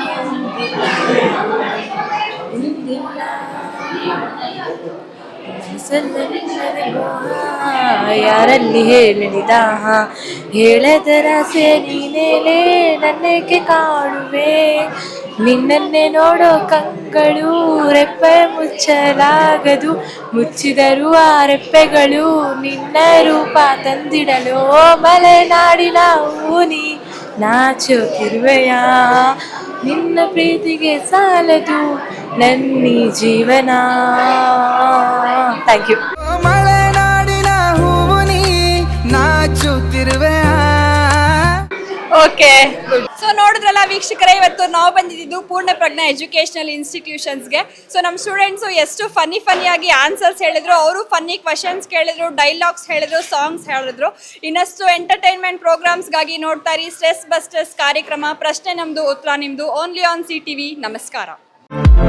Speaker 1: ಇಂದಿಲ್ಲ ಮನಸ್ಸಲ್ಲದೆ ಯಾರಲ್ಲಿ ಹೇಳಲಿದ ಹೇಳದರಾಸೆ ನೀನೇಲೆ ನನ್ನೇಕೆ ಕಾಣುವೆ ನಿನ್ನನ್ನೇ ನೋಡೋ ಕಂಗಳು ರೆಪ್ಪೆ ಮುಚ್ಚಲಾಗದು ಮುಚ್ಚಿದರೂ ಆ ರೆಪ್ಪೆಗಳು ನಿನ್ನ ರೂಪ ತಂದಿಡಲು ಮಲೆನಾಡಿನ ಊನಿ ನಾಚುತ್ತಿರುವೆಯ ನಿನ್ನ ಪ್ರೀತಿಗೆ ಸಾಲದು ನನ್ನಿ ಜೀವನ ಥ್ಯಾಂಕ್ ಯು
Speaker 6: ಮಲೆನಾಡಿನ ಹೂವು ನೀ ನಾಚುತ್ತಿರುವೆ
Speaker 1: ಓಕೆ ಸೊ ನೋಡಿದ್ರಲ್ಲ ವೀಕ್ಷಕರೇ, ಇವತ್ತು ನಾವು ಬಂದಿದ್ದು ಪೂರ್ಣ ಪ್ರಜ್ಞಾ ಎಜುಕೇಶನಲ್ ಇನ್ಸ್ಟಿಟ್ಯೂಷನ್ಸ್ಗೆ. ಸೊ ನಮ್ಮ ಸ್ಟೂಡೆಂಟ್ಸು ಎಷ್ಟು ಫನ್ನಿ ಫನ್ನಿಯಾಗಿ ಆನ್ಸರ್ಸ್ ಹೇಳಿದ್ರು, ಅವರು ಫನ್ನಿ ಕ್ವಶನ್ಸ್ ಕೇಳಿದ್ರು, ಡೈಲಾಗ್ಸ್ ಹೇಳಿದ್ರು, ಸಾಂಗ್ಸ್ ಹೇಳಿದ್ರು. ಇನ್ನಷ್ಟು ಎಂಟರ್ಟೈನ್ಮೆಂಟ್ ಪ್ರೋಗ್ರಾಮ್ಸ್ಗಾಗಿ ನೋಡ್ತಾ ಇರಿ ಸ್ಟ್ರೆಸ್ ಬಸ್ಟರ್ಸ್ ಕಾರ್ಯಕ್ರಮ. ಪ್ರಶ್ನೆ ನಮ್ಮದು, ಉತ್ತರ ನಿಮ್ಮದು, only on C T V. ನಮಸ್ಕಾರ.